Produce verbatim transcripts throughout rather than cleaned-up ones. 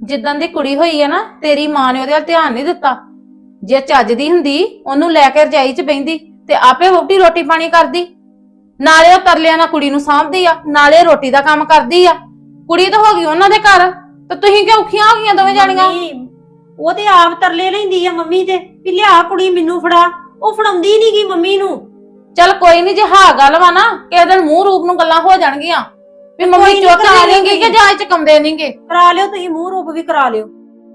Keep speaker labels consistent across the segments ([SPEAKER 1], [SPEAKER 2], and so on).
[SPEAKER 1] ਜਿੱਦਾਂ ਦੀ ਕੁੜੀ ਹੋਈ ਹੈ ਨਾ ਤੇਰੀ ਮਾਂ ਨੇ ਉਹਦੇ ਵੱਲ ਧਿਆਨ ਨਹੀਂ ਦਿੱਤਾ। ਜੇ ਚੱਜ ਦੀ ਹੁੰਦੀ ਉਹਨੂੰ ਲੈ ਕੇ ਰਜਾਈ 'ਚ ਬੈਂਦੀ ਤੇ ਆਪੇ ਵਹੁਟੀ ਰੋਟੀ ਪਾਣੀ ਕਰਦੀ। ਨਾਲੇ ਉਹ ਤਰਲਿਆਂ ਨਾਲ ਕੁੜੀ ਨੂੰ ਸਾਂਭਦੀ ਆ, ਨਾਲੇ ਰੋਟੀ ਦਾ ਕੰਮ ਕਰਦੀ ਆ। ਕੁੜੀ ਤਾਂ ਹੋ ਗਈ ਉਹਨਾਂ ਦੇ ਘਰ ਤੇ ਤੁਸੀਂ ਕਿਉਂ ਔਖੀਆਂ ਹੋ ਗਈਆਂ ਦੋਵੇਂ ਜਾਣੀਆਂ?
[SPEAKER 2] ਉਹ ਤੇ ਆਪ ਤਰਲੇ ਲੈਂਦੀ ਆ ਮੰਮੀ ਤੇ ਵੀ ਲਿਆ ਕੁੜੀ ਮੈਨੂੰ ਫੜਾ, ਉਹ ਫੜਾਉਂਦੀ ਨੀ ਗੀ ਮੰਮੀ ਨੂੰ।
[SPEAKER 1] ਚੱਲ ਕੋਈ ਨਹੀਂ, ਜੇ ਹਾਂ ਗੱਲ ਵਾ ਨਾ ਕਿਸੇ ਦਿਨ ਮੂੰਹ ਰੂਪ ਨੂੰ ਗੱਲਾਂ ਹੋ ਜਾਣਗੀਆਂ ਵੀ ਮੰਮੀ ਚੁੱਕ ਆ ਲੈਣਗੇ ਕਿ ਜਾਂ ਚਕਮਦੇ ਨਹੀਂਗੇ।
[SPEAKER 2] ਕਰਾ ਲਿਓ ਤੁਸੀਂ, ਮੂੰਹ ਰੂਪ ਵੀ ਕਰਾ ਲਿਓ।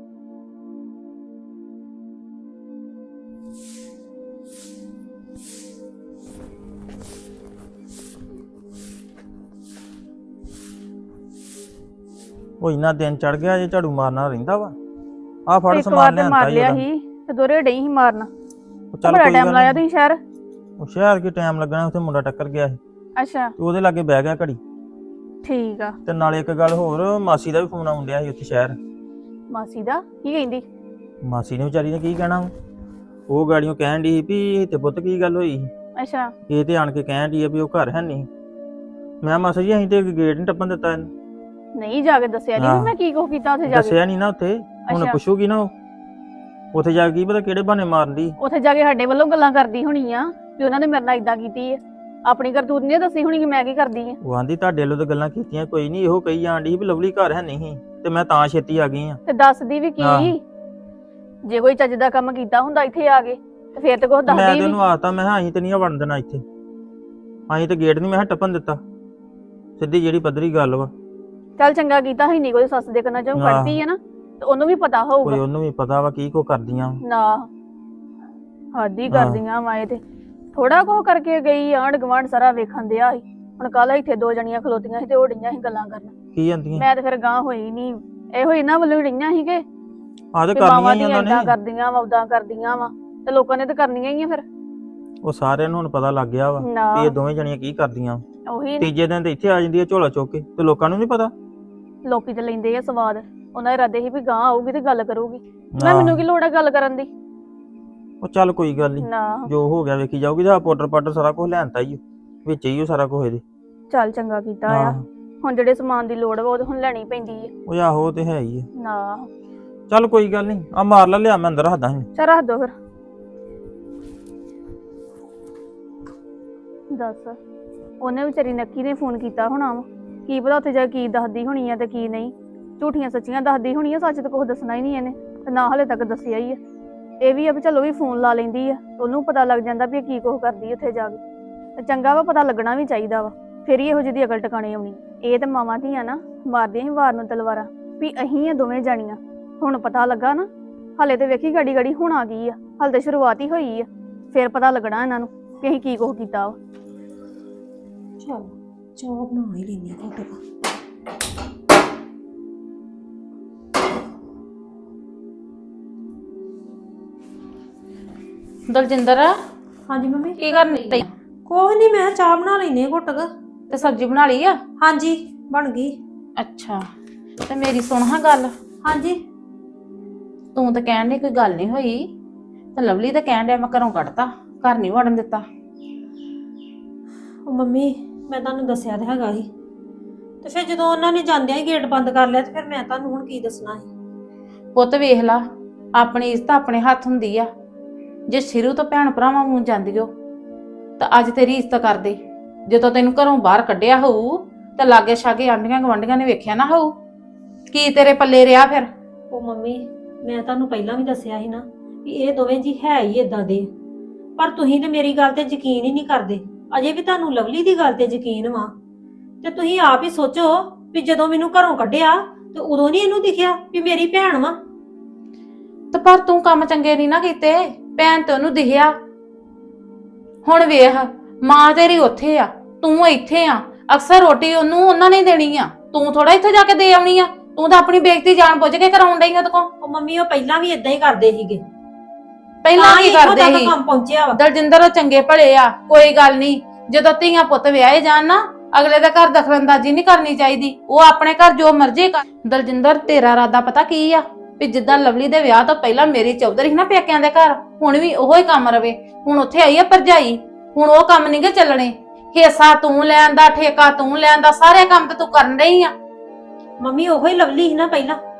[SPEAKER 3] ਉਹ ਇੰਨਾ ਦਿਨ ਚੜ ਗਿਆ ਜੇ ਝਾੜੂ ਮਾਰਨਾ ਰਹਿੰਦਾ ਵਾ। ਆ ਫੜ
[SPEAKER 4] ਇੱਕ
[SPEAKER 3] ਸਮਾਨ
[SPEAKER 4] ਵਾਰ ਤੇ
[SPEAKER 3] ਲਿਆਂਦਾ
[SPEAKER 4] ਮਾਰ
[SPEAKER 3] ਹੀ
[SPEAKER 4] ਲਿਆ
[SPEAKER 3] ਉਹਦਾ।
[SPEAKER 4] ਸੀ ਤੇ ਦੋਰੇ ਡਈ ਸੀ ਮਾਰਨਾ।
[SPEAKER 3] ਚੱਲ
[SPEAKER 4] ਬੜਾ
[SPEAKER 3] ਕੋਈ
[SPEAKER 4] ਟਾਈਮ
[SPEAKER 3] ਗੱਲ
[SPEAKER 4] ਲਾਇਆ
[SPEAKER 3] ਨੀ।
[SPEAKER 4] ਤੁਸੀਂ ਸ਼ਹਿਰ?
[SPEAKER 3] ਉਹ ਸ਼ਹਿਰ ਕੀ ਟਾਈਮ ਲੱਗਣਾ, ਉੱਥੇ ਮੁੰਡਾ ਟੱਕਰ ਗਿਆ ਸੀ
[SPEAKER 4] ਅੱਛਾ
[SPEAKER 3] ਤੇ ਉਹਦੇ ਲਾਗੇ ਬਹਿ ਗਿਆ ਘੜੀ।
[SPEAKER 4] ਠੀਕ ਆ।
[SPEAKER 3] ਤੇ ਨਾਲੇ ਇੱਕ ਗੱਲ ਹੋਰ, ਮਾਸੀ ਦਾ ਵੀ ਫੋਨ ਆਉਣ ਡਿਆ ਸੀ ਉੱਥੇ ਸ਼ਹਿਰ।
[SPEAKER 4] ਮਾਸੀ ਦਾ ਕੀ ਕਹਿੰਦੀ?
[SPEAKER 3] ਮਾਸੀ ਨੇ ਵਿਚਾਰੀ ਨੇ ਕੀ ਕਹਿਣਾ ਵਾ? ਉਹ ਗਾੜੀਆਂ ਕਹਿਣ ਡਈ ਸੀ ਵੀ ਤੇ ਪੁੱਤ ਕੀ ਗੱਲ ਹੋਈ?
[SPEAKER 4] ਅੱਛਾ
[SPEAKER 3] ਇਹ ਤੇ ਆਣ ਕੇ ਕਹਿਣ ਡਈ ਆ ਵੀ ਉਹ ਘਰ ਹੈ ਨਹੀਂ। ਮੈਂ ਮਾਸੀ ਜੀ ਅਸੀਂ ਤੇ ਗੇਟ ਨਹੀਂ ਟੱਪਣ ਦਿੱਤਾ ਇਹਨੂੰ।
[SPEAKER 4] ਨਹੀਂ ਜਾ ਕੇ ਦੱਸਿਆ ਨਹੀਂ ਮੈਂ ਕੀ ਕੁਛ ਕੀਤਾ ਉੱਥੇ ਜਾ ਕੇ?
[SPEAKER 3] ਦੱਸਿਆ ਨਹੀਂ ਨਾ ਉੱਥੇ, ਹੁਣ
[SPEAKER 4] ਅੱਛਾ।
[SPEAKER 3] ਪੁੱਛੂਗੀ ਨਾ ਉਹ ਉੱਥੇ ਜਾ ਕੇ ਕੀ ਪਤਾ ਕਿਹੜੇ ਬਹਾਨੇ ਮਾਰਦੀ।
[SPEAKER 4] ਉੱਥੇ ਜਾ ਕੇ ਸਾਡੇ ਵੱਲੋਂ ਗੱਲਾਂ ਕਰਦੀ ਹੋਣੀ ਆ ਵੀ ਉਹਨਾਂ ਨੇ ਮੇਰੇ ਨਾਲ ਇਦਾਂ ਕੀਤੀ ਆ। ਆਪਣੀ ਕਰਤੂਤ ਨਹੀਂ ਦੱਸੀ ਹੋਣੀ ਕਿ ਮੈਂ ਕੀ ਕਰਦੀ ਆ।
[SPEAKER 3] ਉਹ ਆਂਦੀ ਤੁਹਾਡੇ ਵੱਲੋਂ ਤਾਂ ਗੱਲਾਂ ਕੀਤੀਆਂ ਕੋਈ ਨਹੀਂ, ਇਹੋ ਕਹੀ ਜਾਣ ਡਈ ਵੀ ਲਵਲੀ ਘਰ ਹੈ ਨਹੀਂ ਤੇ ਮੈਂ ਤਾਂ ਛੇਤੀ ਆ ਗਈ ਆ।
[SPEAKER 4] ਤੇ ਦੱਸਦੀ ਵੀ ਕੀ? ਜੇ ਕੋਈ ਚੱਜ ਦਾ ਕੰਮ ਕੀਤਾ ਹੁੰਦਾ ਇੱਥੇ ਆ ਕੇ ਤੇ ਫੇਰ ਤੇ ਕੁਛ
[SPEAKER 3] ਮੈਂ
[SPEAKER 4] ਦੱਸਦੀ
[SPEAKER 3] ਤੇ
[SPEAKER 4] ਵੀ।
[SPEAKER 3] ਉਹਨੂੰ ਆਖਤਾ, ਮੈਂ ਕਿਹਾ ਅਸੀਂ ਤੇ ਨਹੀਂ ਵੜਨ ਦੇਣਾ ਇੱਥੇ, ਅਸੀਂ ਤੇ ਗੇਟ ਨਹੀਂ ਮੈਂ ਕਿਹਾ ਟੱਪਣ ਦਿੱਤਾ। ਸਿੱਧੀ ਜਿਹੜੀ ਪੱਧਰੀ ਗੱਲ ਵਾ।
[SPEAKER 4] ਚੱਲ ਚੰਗਾ ਕੀਤਾ ਸੀ, ਨਹੀਂ ਕੋਈ ਸੱਸ ਦੇ ਕੰਨਾਂ ਚੋਂ ਕੱਢਦੀ ਆ ਨਾ ਤੇ ਉਹਨੂੰ ਵੀ ਪਤਾ
[SPEAKER 3] ਕੋਈ
[SPEAKER 4] ਹੋਊਗਾ।
[SPEAKER 3] ਉਹਨੂੰ ਵੀ ਪਤਾ ਵਾ ਕੀ ਕੋ ਕਰਦੀਆਂ
[SPEAKER 4] ਨਾ ਹਾਦੀ ਕਰਦੀਆਂ ਵਾ ਇਹ ਤੇ। ਥੋੜਾ ਕੁ ਕਰਕੇ ਗਈ, ਆਂਢ ਗੁਆਂਢ ਸਾਰਾ ਵੇਖਣ ਦਿਆ ਸੀ। ਹੁਣ ਕੱਲ ਇੱਥੇ ਦੋ ਜਣੀਆਂ ਖਲੋਤੀਆਂ ਸੀ ਤੇ ਉਹ ਡਈਆਂ ਸੀ ਗੱਲਾਂ ਕਰਨ।
[SPEAKER 3] ਕੀ ਜਾਂਦੀਆਂ?
[SPEAKER 4] ਮੈਂ ਤੇ ਫਿਰ ਗਾਂ ਹੋਈ ਨਹੀਂ, ਇਹੋ ਇਹਨਾਂ ਵੱਲੋਂ ਹੀ ਡਈਆਂ ਸੀ ਕਿ
[SPEAKER 3] ਆਹ ਤੇ ਕਰਨੀਆਂ ਹੀ ਉਹਨਾਂ
[SPEAKER 4] ਏਦਾਂ
[SPEAKER 3] ਨੇ।
[SPEAKER 4] ਕਰਦੀਆਂ ਵਾ ਉਦਾਂ ਕਰਦੀਆਂ ਵਾ ਤੇ ਲੋਕਾਂ ਨੇ ਤੇ ਕਰਨੀਆਂ ਹੀ ਆ ਫਿਰ।
[SPEAKER 3] ਉਹ ਸਾਰਿਆਂ ਨੂੰ ਹੁਣ ਪਤਾ ਲੱਗ ਗਿਆ ਵਾ
[SPEAKER 4] ਨਾ
[SPEAKER 3] ਵੀ ਇਹ ਦੋਵੇਂ ਜਣੀਆਂ ਕੀ ਕਰਦੀਆਂ।
[SPEAKER 4] ਉਹੀ
[SPEAKER 3] ਤੀਜੇ ਦਿਨ ਤੇ ਇੱਥੇ ਆ ਜਾਂਦੀ ਆ ਝੋਲਾ ਚੁੱਕ ਕੇ, ਤੇ ਲੋਕਾਂ ਨੂੰ ਨਹੀਂ ਪਤਾ।
[SPEAKER 4] ਲੋਕੀ ਤੇ ਲੈਂਦੇ ਆ ਸਵਾਦ। ਉਹਨਾਂ ਦੇ ਇਰਾਦੇ ਸੀ ਵੀ ਗਾਂ ਆਊਗੀ ਤੇ ਗੱਲ ਕਰੂਗੀ। ਮੈਂ ਮੈਨੂੰ ਕੀ ਲੋੜ ਆ ਗੱਲ ਕਰਨ ਦੀ?
[SPEAKER 3] ਉਹ ਚੱਲ ਕੋਈ ਗੱਲ ਨਹੀਂ,
[SPEAKER 4] ਨਾ
[SPEAKER 3] ਜੋ ਹੋ ਗਿਆ ਵੇਖੀ ਜਾਊਗੀ। ਤਾਂ ਪਾਊਡਰ ਪਾਊਡਰ ਸਾਰਾ ਕੁਝ ਲੈਣਤਾ ਹੀ ਵਿੱਚ ਹੀ ਉਹ ਸਾਰਾ ਕੁਝ ਇਹਦੇ।
[SPEAKER 4] ਚੱਲ ਚੰਗਾ ਕੀਤਾ ਆ। ਹੁਣ ਜਿਹੜੇ ਸਮਾਨ ਦੀ ਲੋੜ ਵਾ ਉਹ ਤੇ ਹੁਣ ਲੈਣੀ ਪੈਂਦੀ ਆ।
[SPEAKER 3] ਉਹ ਆਹੋ ਤੇ ਹੈ ਹੀ ਆ।
[SPEAKER 4] ਨਾ
[SPEAKER 3] ਚੱਲ ਕੋਈ ਗੱਲ ਨਹੀਂ, ਆ ਮਾਰ ਲੈ, ਲਿਆ ਮੈਂ ਅੰਦਰ ਰੱਖਦਾ ਹਾਂ।
[SPEAKER 4] ਚੱਲ ਰੱਖ ਦੋ ਫਿਰ। ਦੱਸ ਉਹਨੇ ਵਿਚਾਰੀ ਨੱਕੀ ਨੇ ਫੋਨ ਕੀਤਾ ਹੋਣਾ ਵਾ, ਕੀ ਪਤਾ ਉੱਥੇ ਜਾ ਕੇ ਕੀ ਦੱਸਦੀ ਹੋਣੀ ਆ ਤੇ ਕੀ ਨਹੀਂ। ਝੂਠੀਆਂ ਸੱਚੀਆਂ ਦੱਸਦੀ ਹੋਣੀ ਆ, ਸੱਚ ਤਾਂ ਕੁਛ ਦੱਸਣਾ ਹੀ ਨਹੀਂ ਇਹਨੇ ਤੇ ਨਾ ਹਲੇ ਤੱਕ ਦੱਸਿਆ ਹੀ ਆ। ਇਹ ਵੀ ਆ ਵੀ ਚਲੋ ਵੀ ਫੋਨ ਲਾ ਲੈਂਦੀ ਆ, ਉਹਨੂੰ ਪਤਾ ਲੱਗ ਜਾਂਦਾ ਵੀ ਇਹ ਕੀ ਕੁਛ ਕਰਦੀ ਉੱਥੇ ਜਾ ਕੇ। ਤੇ ਚੰਗਾ ਵਾ, ਪਤਾ ਲੱਗਣਾ ਵੀ ਚਾਹੀਦਾ ਵਾ, ਫਿਰ ਹੀ ਇਹੋ ਜਿਹੀ ਦੀ ਅਕਲ ਟਿਕਾਣੇ ਆਉਣੀ। ਇਹ ਤੇ ਮਾਵਾਂ ਧੀਆਂ ਨਾ ਮਾਰਦੀਆਂ ਸੀ ਵਾਰ ਨੂੰ ਤਲਵਾਰਾਂ ਵੀ ਅਹੀਂ ਆ ਦੋਵੇਂ ਜਾਣੀਆਂ। ਹੁਣ ਪਤਾ ਲੱਗਾ ਨਾ, ਹਲੇ ਤੇ ਵੇਖੀ ਗਾੜੀ ਗਾੜੀ ਹੁਣ ਆ ਗਈ ਆ, ਹਲੇ ਤੇ ਸ਼ੁਰੂਆਤ ਹੀ ਹੋਈ ਆ। ਫਿਰ ਪਤਾ ਲੱਗਣਾ ਇਹਨਾਂ ਨੂੰ ਕਿ ਅਸੀਂ ਕੀ ਕੁਛ ਕੀਤਾ ਵਾ।
[SPEAKER 2] ਚਲ ਚਾਹ ਬਣਾ ਹੀ ਲੈਣੀ ਘੁੱਟ ਕਾ।
[SPEAKER 1] ਦਲਜਿੰਦਰ
[SPEAKER 2] ਹਾਂਜੀ ਮੰਮੀ।
[SPEAKER 1] ਕੀ ਕਰਨ ਡਈ?
[SPEAKER 2] ਕੋਈ ਨਹੀਂ, ਮੈਂ ਚਾਹ ਬਣਾ ਲੈਣੀ ਘੁੱਟ ਕਾ।
[SPEAKER 1] ਤੇ ਸਬਜ਼ੀ ਬਣਾ ਲਈ ਆ?
[SPEAKER 2] ਹਾਂਜੀ ਬਣ ਗਈ।
[SPEAKER 1] ਅੱਛਾ, ਤੇ ਮੇਰੀ ਸੁਣ ਹਾਂ ਗੱਲ।
[SPEAKER 2] ਹਾਂਜੀ
[SPEAKER 1] ਤੂੰ ਤਾਂ ਕਹਿਣ ਡਈ ਕੋਈ ਗੱਲ ਨਹੀਂ ਹੋਈ, ਤੇ ਲਵਲੀ ਤਾਂ ਕਹਿਣ ਡਿਆ ਮੈਂ ਘਰੋਂ ਕੱਢਤਾ, ਘਰ ਨਹੀਂ ਵੜਨ ਦਿੱਤਾ।
[SPEAKER 2] ਉਹ ਮੰਮੀ ਮੈਂ ਤੁਹਾਨੂੰ ਦੱਸਿਆ ਤਾਂ ਹੈਗਾ ਸੀ, ਤੇ ਫਿਰ ਜਦੋਂ ਉਹਨਾਂ ਨੇ ਜਾਂਦਿਆਂ ਹੀ ਗੇਟ ਬੰਦ ਕਰ ਲਿਆ ਤੇ ਫਿਰ ਮੈਂ ਤੁਹਾਨੂੰ ਹੁਣ ਕੀ ਦੱਸਣਾ ਸੀ।
[SPEAKER 1] ਪੁੱਤ ਵੇਖ ਲਾ, ਆਪਣੀ ਇੱਜ਼ਤ ਆਪਣੇ ਹੱਥ ਹੁੰਦੀ ਆ। ਜੇ ਸ਼ੁਰੂ ਤੋਂ ਭੈਣ ਭਰਾਵਾਂ ਨੂੰ ਜਾਂਦੀ ਹੋ ਤਾਂ ਅੱਜ ਤੇਰੀ ਇੱਜ਼ਤ ਕਰਦੇ। ਜਦੋਂ ਤੈਨੂੰ ਘਰੋਂ ਬਾਹਰ ਕੱਢਿਆ ਹੋਊ ਤਾਂ ਲਾਗੇ ਛਾਗੇ ਆਂਢੀਆਂ ਗਵਾਂਢੀਆਂ ਨੇ ਵੇਖਿਆ ਨਾ ਹੋਊ, ਕੀ ਤੇਰੇ ਪੱਲੇ ਰਿਹਾ ਫਿਰ?
[SPEAKER 2] ਉਹ ਮੰਮੀ ਮੈਂ ਤੁਹਾਨੂੰ ਪਹਿਲਾਂ ਵੀ ਦੱਸਿਆ ਸੀ ਨਾ ਵੀ ਇਹ ਦੋਵੇਂ ਜੀ ਹੈ ਹੀ ਇਦਾਂ ਦੇ, ਪਰ ਤੁਸੀਂ ਤੇ ਮੇਰੀ ਗੱਲ ਤੇ ਯਕੀਨ ਹੀ ਨਹੀਂ ਕਰਦੇ। ਅਜੇ ਵੀ ਤੁਹਾਨੂੰ ਲਵਲੀ ਦੀ ਗੱਲ ਤੇ ਯਕੀਨ ਵਾ, ਤੇ ਤੁਸੀਂ ਆਪ ਹੀ ਸੋਚੋ ਵੀ ਜਦੋਂ ਮੈਨੂੰ ਘਰੋਂ ਕੱਢਿਆ ਤੇ ਉਦੋਂ ਨਹੀਂ ਇਹਨੂੰ ਦਿਖਿਆ ਵੀ ਮੇਰੀ ਭੈਣ ਵਾ।
[SPEAKER 1] ਤੇ ਪਰ ਤੂੰ ਕੰਮ ਚੰਗੇ ਨਹੀਂ ਨਾ ਕੀਤੇ, ਭੈਣ ਤੇ ਉਹਨੂੰ ਦਿਖਿਆ। ਹੁਣ ਵੇਖ, ਮਾਂ ਤੇਰੀ ਉੱਥੇ ਆ, ਤੂੰ ਇੱਥੇ ਆ। ਅਕਸਰ ਰੋਟੀ ਉਹਨੂੰ ਉਹਨਾਂ ਨੇ ਦੇਣੀ ਆ, ਤੂੰ ਥੋੜਾ ਇੱਥੇ ਜਾ ਕੇ ਦੇ ਆਉਣੀ ਆ। ਤੂੰ ਤਾਂ ਆਪਣੀ ਬੇਇੱਜ਼ਤੀ ਜਾਣ ਬੁੱਝ ਕੇ ਕਰਾਉਣ ਡਈ ਉਹਦੇ ਕੋਲ।
[SPEAKER 2] ਉਹ ਮੰਮੀ ਉਹ ਪਹਿਲਾਂ ਵੀ ਇਦਾਂ ਹੀ ਕਰਦੇ ਸੀਗੇ,
[SPEAKER 1] ਪਹਿਲਾਂ ਕੀ ਕਰਦੇ ਸੀ?
[SPEAKER 2] ਕੰਮ ਪਹੁੰਚਿਆ ਵਾ।
[SPEAKER 1] ਦਲਜਿੰਦਰ ਉਹ ਚੰਗੇ ਭਲੇ ਆ, ਕੋਈ ਗੱਲ ਨਹੀਂ। ਜਦੋਂ ਧੀਆਂ ਪੁੱਤ ਵਿਆਹੇ ਜਾਣ ਨਾ, ਅਗਲੇ ਦਾ ਘਰ ਦਖਲਅੰਦਾਜ਼ੀ ਨਹੀਂ ਕਰਨੀ ਚਾਹੀਦੀ। ਉਹ ਆਪਣੇ ਘਰ ਜੋ ਮਰਜ਼ੀ ਕਰ। ਦਲਜਿੰਦਰ ਤੇਰਾ ਇਰਾਦਾ ਪਤਾ ਕੀ ਆ? ਵੀ ਜਿੱਦਾਂ ਲਵਲੀ ਦੇ ਵਿਆਹ ਤੋਂ ਪਹਿਲਾਂ ਮੇਰੀ ਚੌਧਰੀ ਸੀ ਨਾ ਪੇਕਿਆਂ ਦੇ ਘਰ, ਹੁਣ ਵੀ ਉਹੋ ਹੀ ਕੰਮ ਰਵੇ। ਹੁਣ ਉੱਥੇ ਆਈ ਆ ਭਰਜਾਈ, ਹੁਣ ਉਹ ਕੰਮ ਨਹੀਂ ਗੇ ਚੱਲਣੇ। ਹਿੱਸਾ ਤੂੰ ਲੈਣ ਦਾ, ਠੇਕਾ ਤੂੰ ਲੈਣ ਦਾ, ਸਾਰੇ ਕੰਮ ਤੇ ਤੂੰ ਕਰਨ ਰਹੀ ਆ।
[SPEAKER 2] ਮੰਮੀ ਉਹੋ ਹੀ ਲਵਲੀ ਸੀ ਨਾ ਪਹਿਲਾਂ,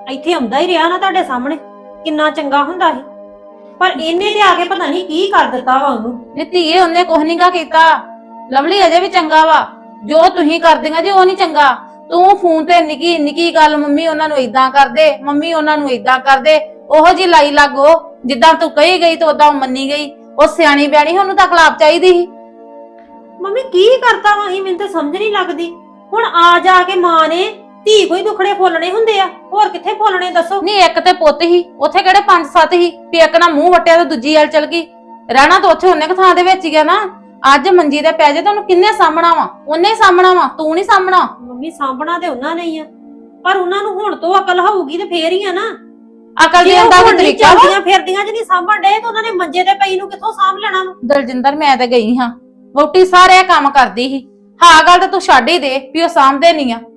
[SPEAKER 2] ਇੱਥੇ ਆਉਂਦਾ ਹੀ ਰਿਹਾ ਨਾ ਤੁਹਾਡੇ ਸਾਹਮਣੇ, ਕਿੰਨਾ ਚੰਗਾ ਹੁੰਦਾ ਸੀ। ਪਰ ਇਹਨੇ ਤੇ ਆ ਕੇ ਪਤਾ ਨਹੀਂ ਕੀ ਕਰ ਦਿੱਤਾ ਵਾ ਉਹਨੂੰ।
[SPEAKER 1] ਨੀ ਧੀਏ ਉਹਨੇ ਕੁਝ ਨਹੀਂ ਕਾ ਕੀਤਾ। ਲਵਲੀ ਅਜੇ ਵੀ ਚੰਗਾ ਵਾ। ਜੋ ਤੁਸੀਂ ਕਰਦੀਆਂ ਜੀ ਉਹ ਨਹੀਂ ਚੰਗਾ। ਤੂੰ ਫੋਨ ਤੇ ਨਿੱਕੀ ਨਿੱਕੀ ਗੱਲ, ਮੰਮੀ ਉਹਨਾਂ ਨੂੰ ਇਦਾਂ ਕਰਦੇ, ਮੰਮੀ ਉਹਨਾਂ ਨੂੰ ਇਦਾਂ ਕਰਦੇ, ਉਹੋ ਜੀ ਲਾਈ ਲੱਗੋ ਜਿੱਦਾਂ ਤੂੰ ਕਹੀ ਗਈ ਤੇ ਉਦਾਂ ਮੰਨੀ ਗਈ। ਉਹ ਸਿਆਣੀ ਬਿਆਣੀ, ਉਹਨੂੰ ਤਾਂ ਖਲਾਪ ਚਾਹੀਦੀ ਸੀ।
[SPEAKER 2] ਮੰਮੀ ਕੀ ਕਰਤਾ ਵਾ ਅਸੀਂ, ਮੈਨੂੰ ਤਾਂ ਸਮਝ ਨਹੀਂ ਲੱਗਦੀ। ਹੁਣ ਆ ਜਾ ਕੇ ਮਾਂ ਨੇ ਧੀ ਕੋਈ ਦੁਖੜੇ ਫੋਲਣੇ ਹੁੰਦੇ ਆ, ਹੋਰ ਕਿੱਥੇ ਫੋਲਣੇ ਦੱਸੋ?
[SPEAKER 1] ਨਹੀਂ ਇੱਕ ਤੇ ਪੁੱਤ ਹੀ, ਉੱਥੇ ਕਿਹੜੇ ਪੰਜ ਸੱਤ ਹੀ ਵੀ ਇੱਕ ਨਾ ਮੂੰਹ ਵਟਿਆ ਤੇ ਦੂਜੀ ਵੱਲ ਚਲ ਗਈ। ਰਹਿਣਾ ਤਾਂ ਉੱਥੇ ਉਹਨੇ ਕ ਥਾਂ ਦੇ ਵਿੱਚ ਹੀ ਗਿਆ ਨਾ। ਅੱਜ ਮੰਜੀ ਤੇ ਪੈ ਜੇ ਤਾਂ ਉਹਨੂੰ ਕਿੰਨੇ ਸਾਹਮਣਾ ਵਾ? ਉਹਨੇ ਹੀ ਸਾਹਮਣਾ ਵਾ, ਤੂੰ ਨਹੀਂ ਸਾਹਮਣਾ।
[SPEAKER 2] ਮੰਮੀ ਸਾਂਭਣਾ ਤੇ ਉਹਨਾਂ ਨੇ ਹੀ ਆ, ਪਰ ਉਹਨਾਂ ਨੂੰ ਹੁਣ ਤੋਂ ਅਕਲ ਹੋਊਗੀ ਤੇ ਫੇਰ ਹੀ ਆ ਨਾ।
[SPEAKER 1] ਅਕਲ
[SPEAKER 2] ਜੇ
[SPEAKER 1] ਦੇਣ ਦਾ
[SPEAKER 2] ਉਹ
[SPEAKER 1] ਵੀ
[SPEAKER 2] ਹੁਣ ਨਹੀਂ
[SPEAKER 1] ਤਰੀਕਾ ਵਾ।
[SPEAKER 2] ਚੱਲਦੀਆਂ ਫਿਰਦੀਆਂ ਚ ਨਹੀਂ ਸਾਂਭਣ ਡੇ ਤਾਂ ਉਹਨਾਂ ਨੇ ਮੰਜੇ ਤੇ ਪਈ ਨੂੰ ਕਿੱਥੋਂ ਸਾਂਭ ਲੈਣਾ ਵਾ?
[SPEAKER 1] ਦਲਜਿੰਦਰ ਮੈਂ ਤੇ ਗਈ ਹਾਂ, ਵਹੁਟੀ ਸਾਰੇ ਕੰਮ ਕਰਦੀ ਸੀ। ਹਾਂ ਗੱਲ ਤਾਂ ਤੂੰ ਛੱਡ ਹੀ ਦੇ ਵੀ ਉਹ ਸਾਂਭਦੇ ਨਹੀਂ ਆ।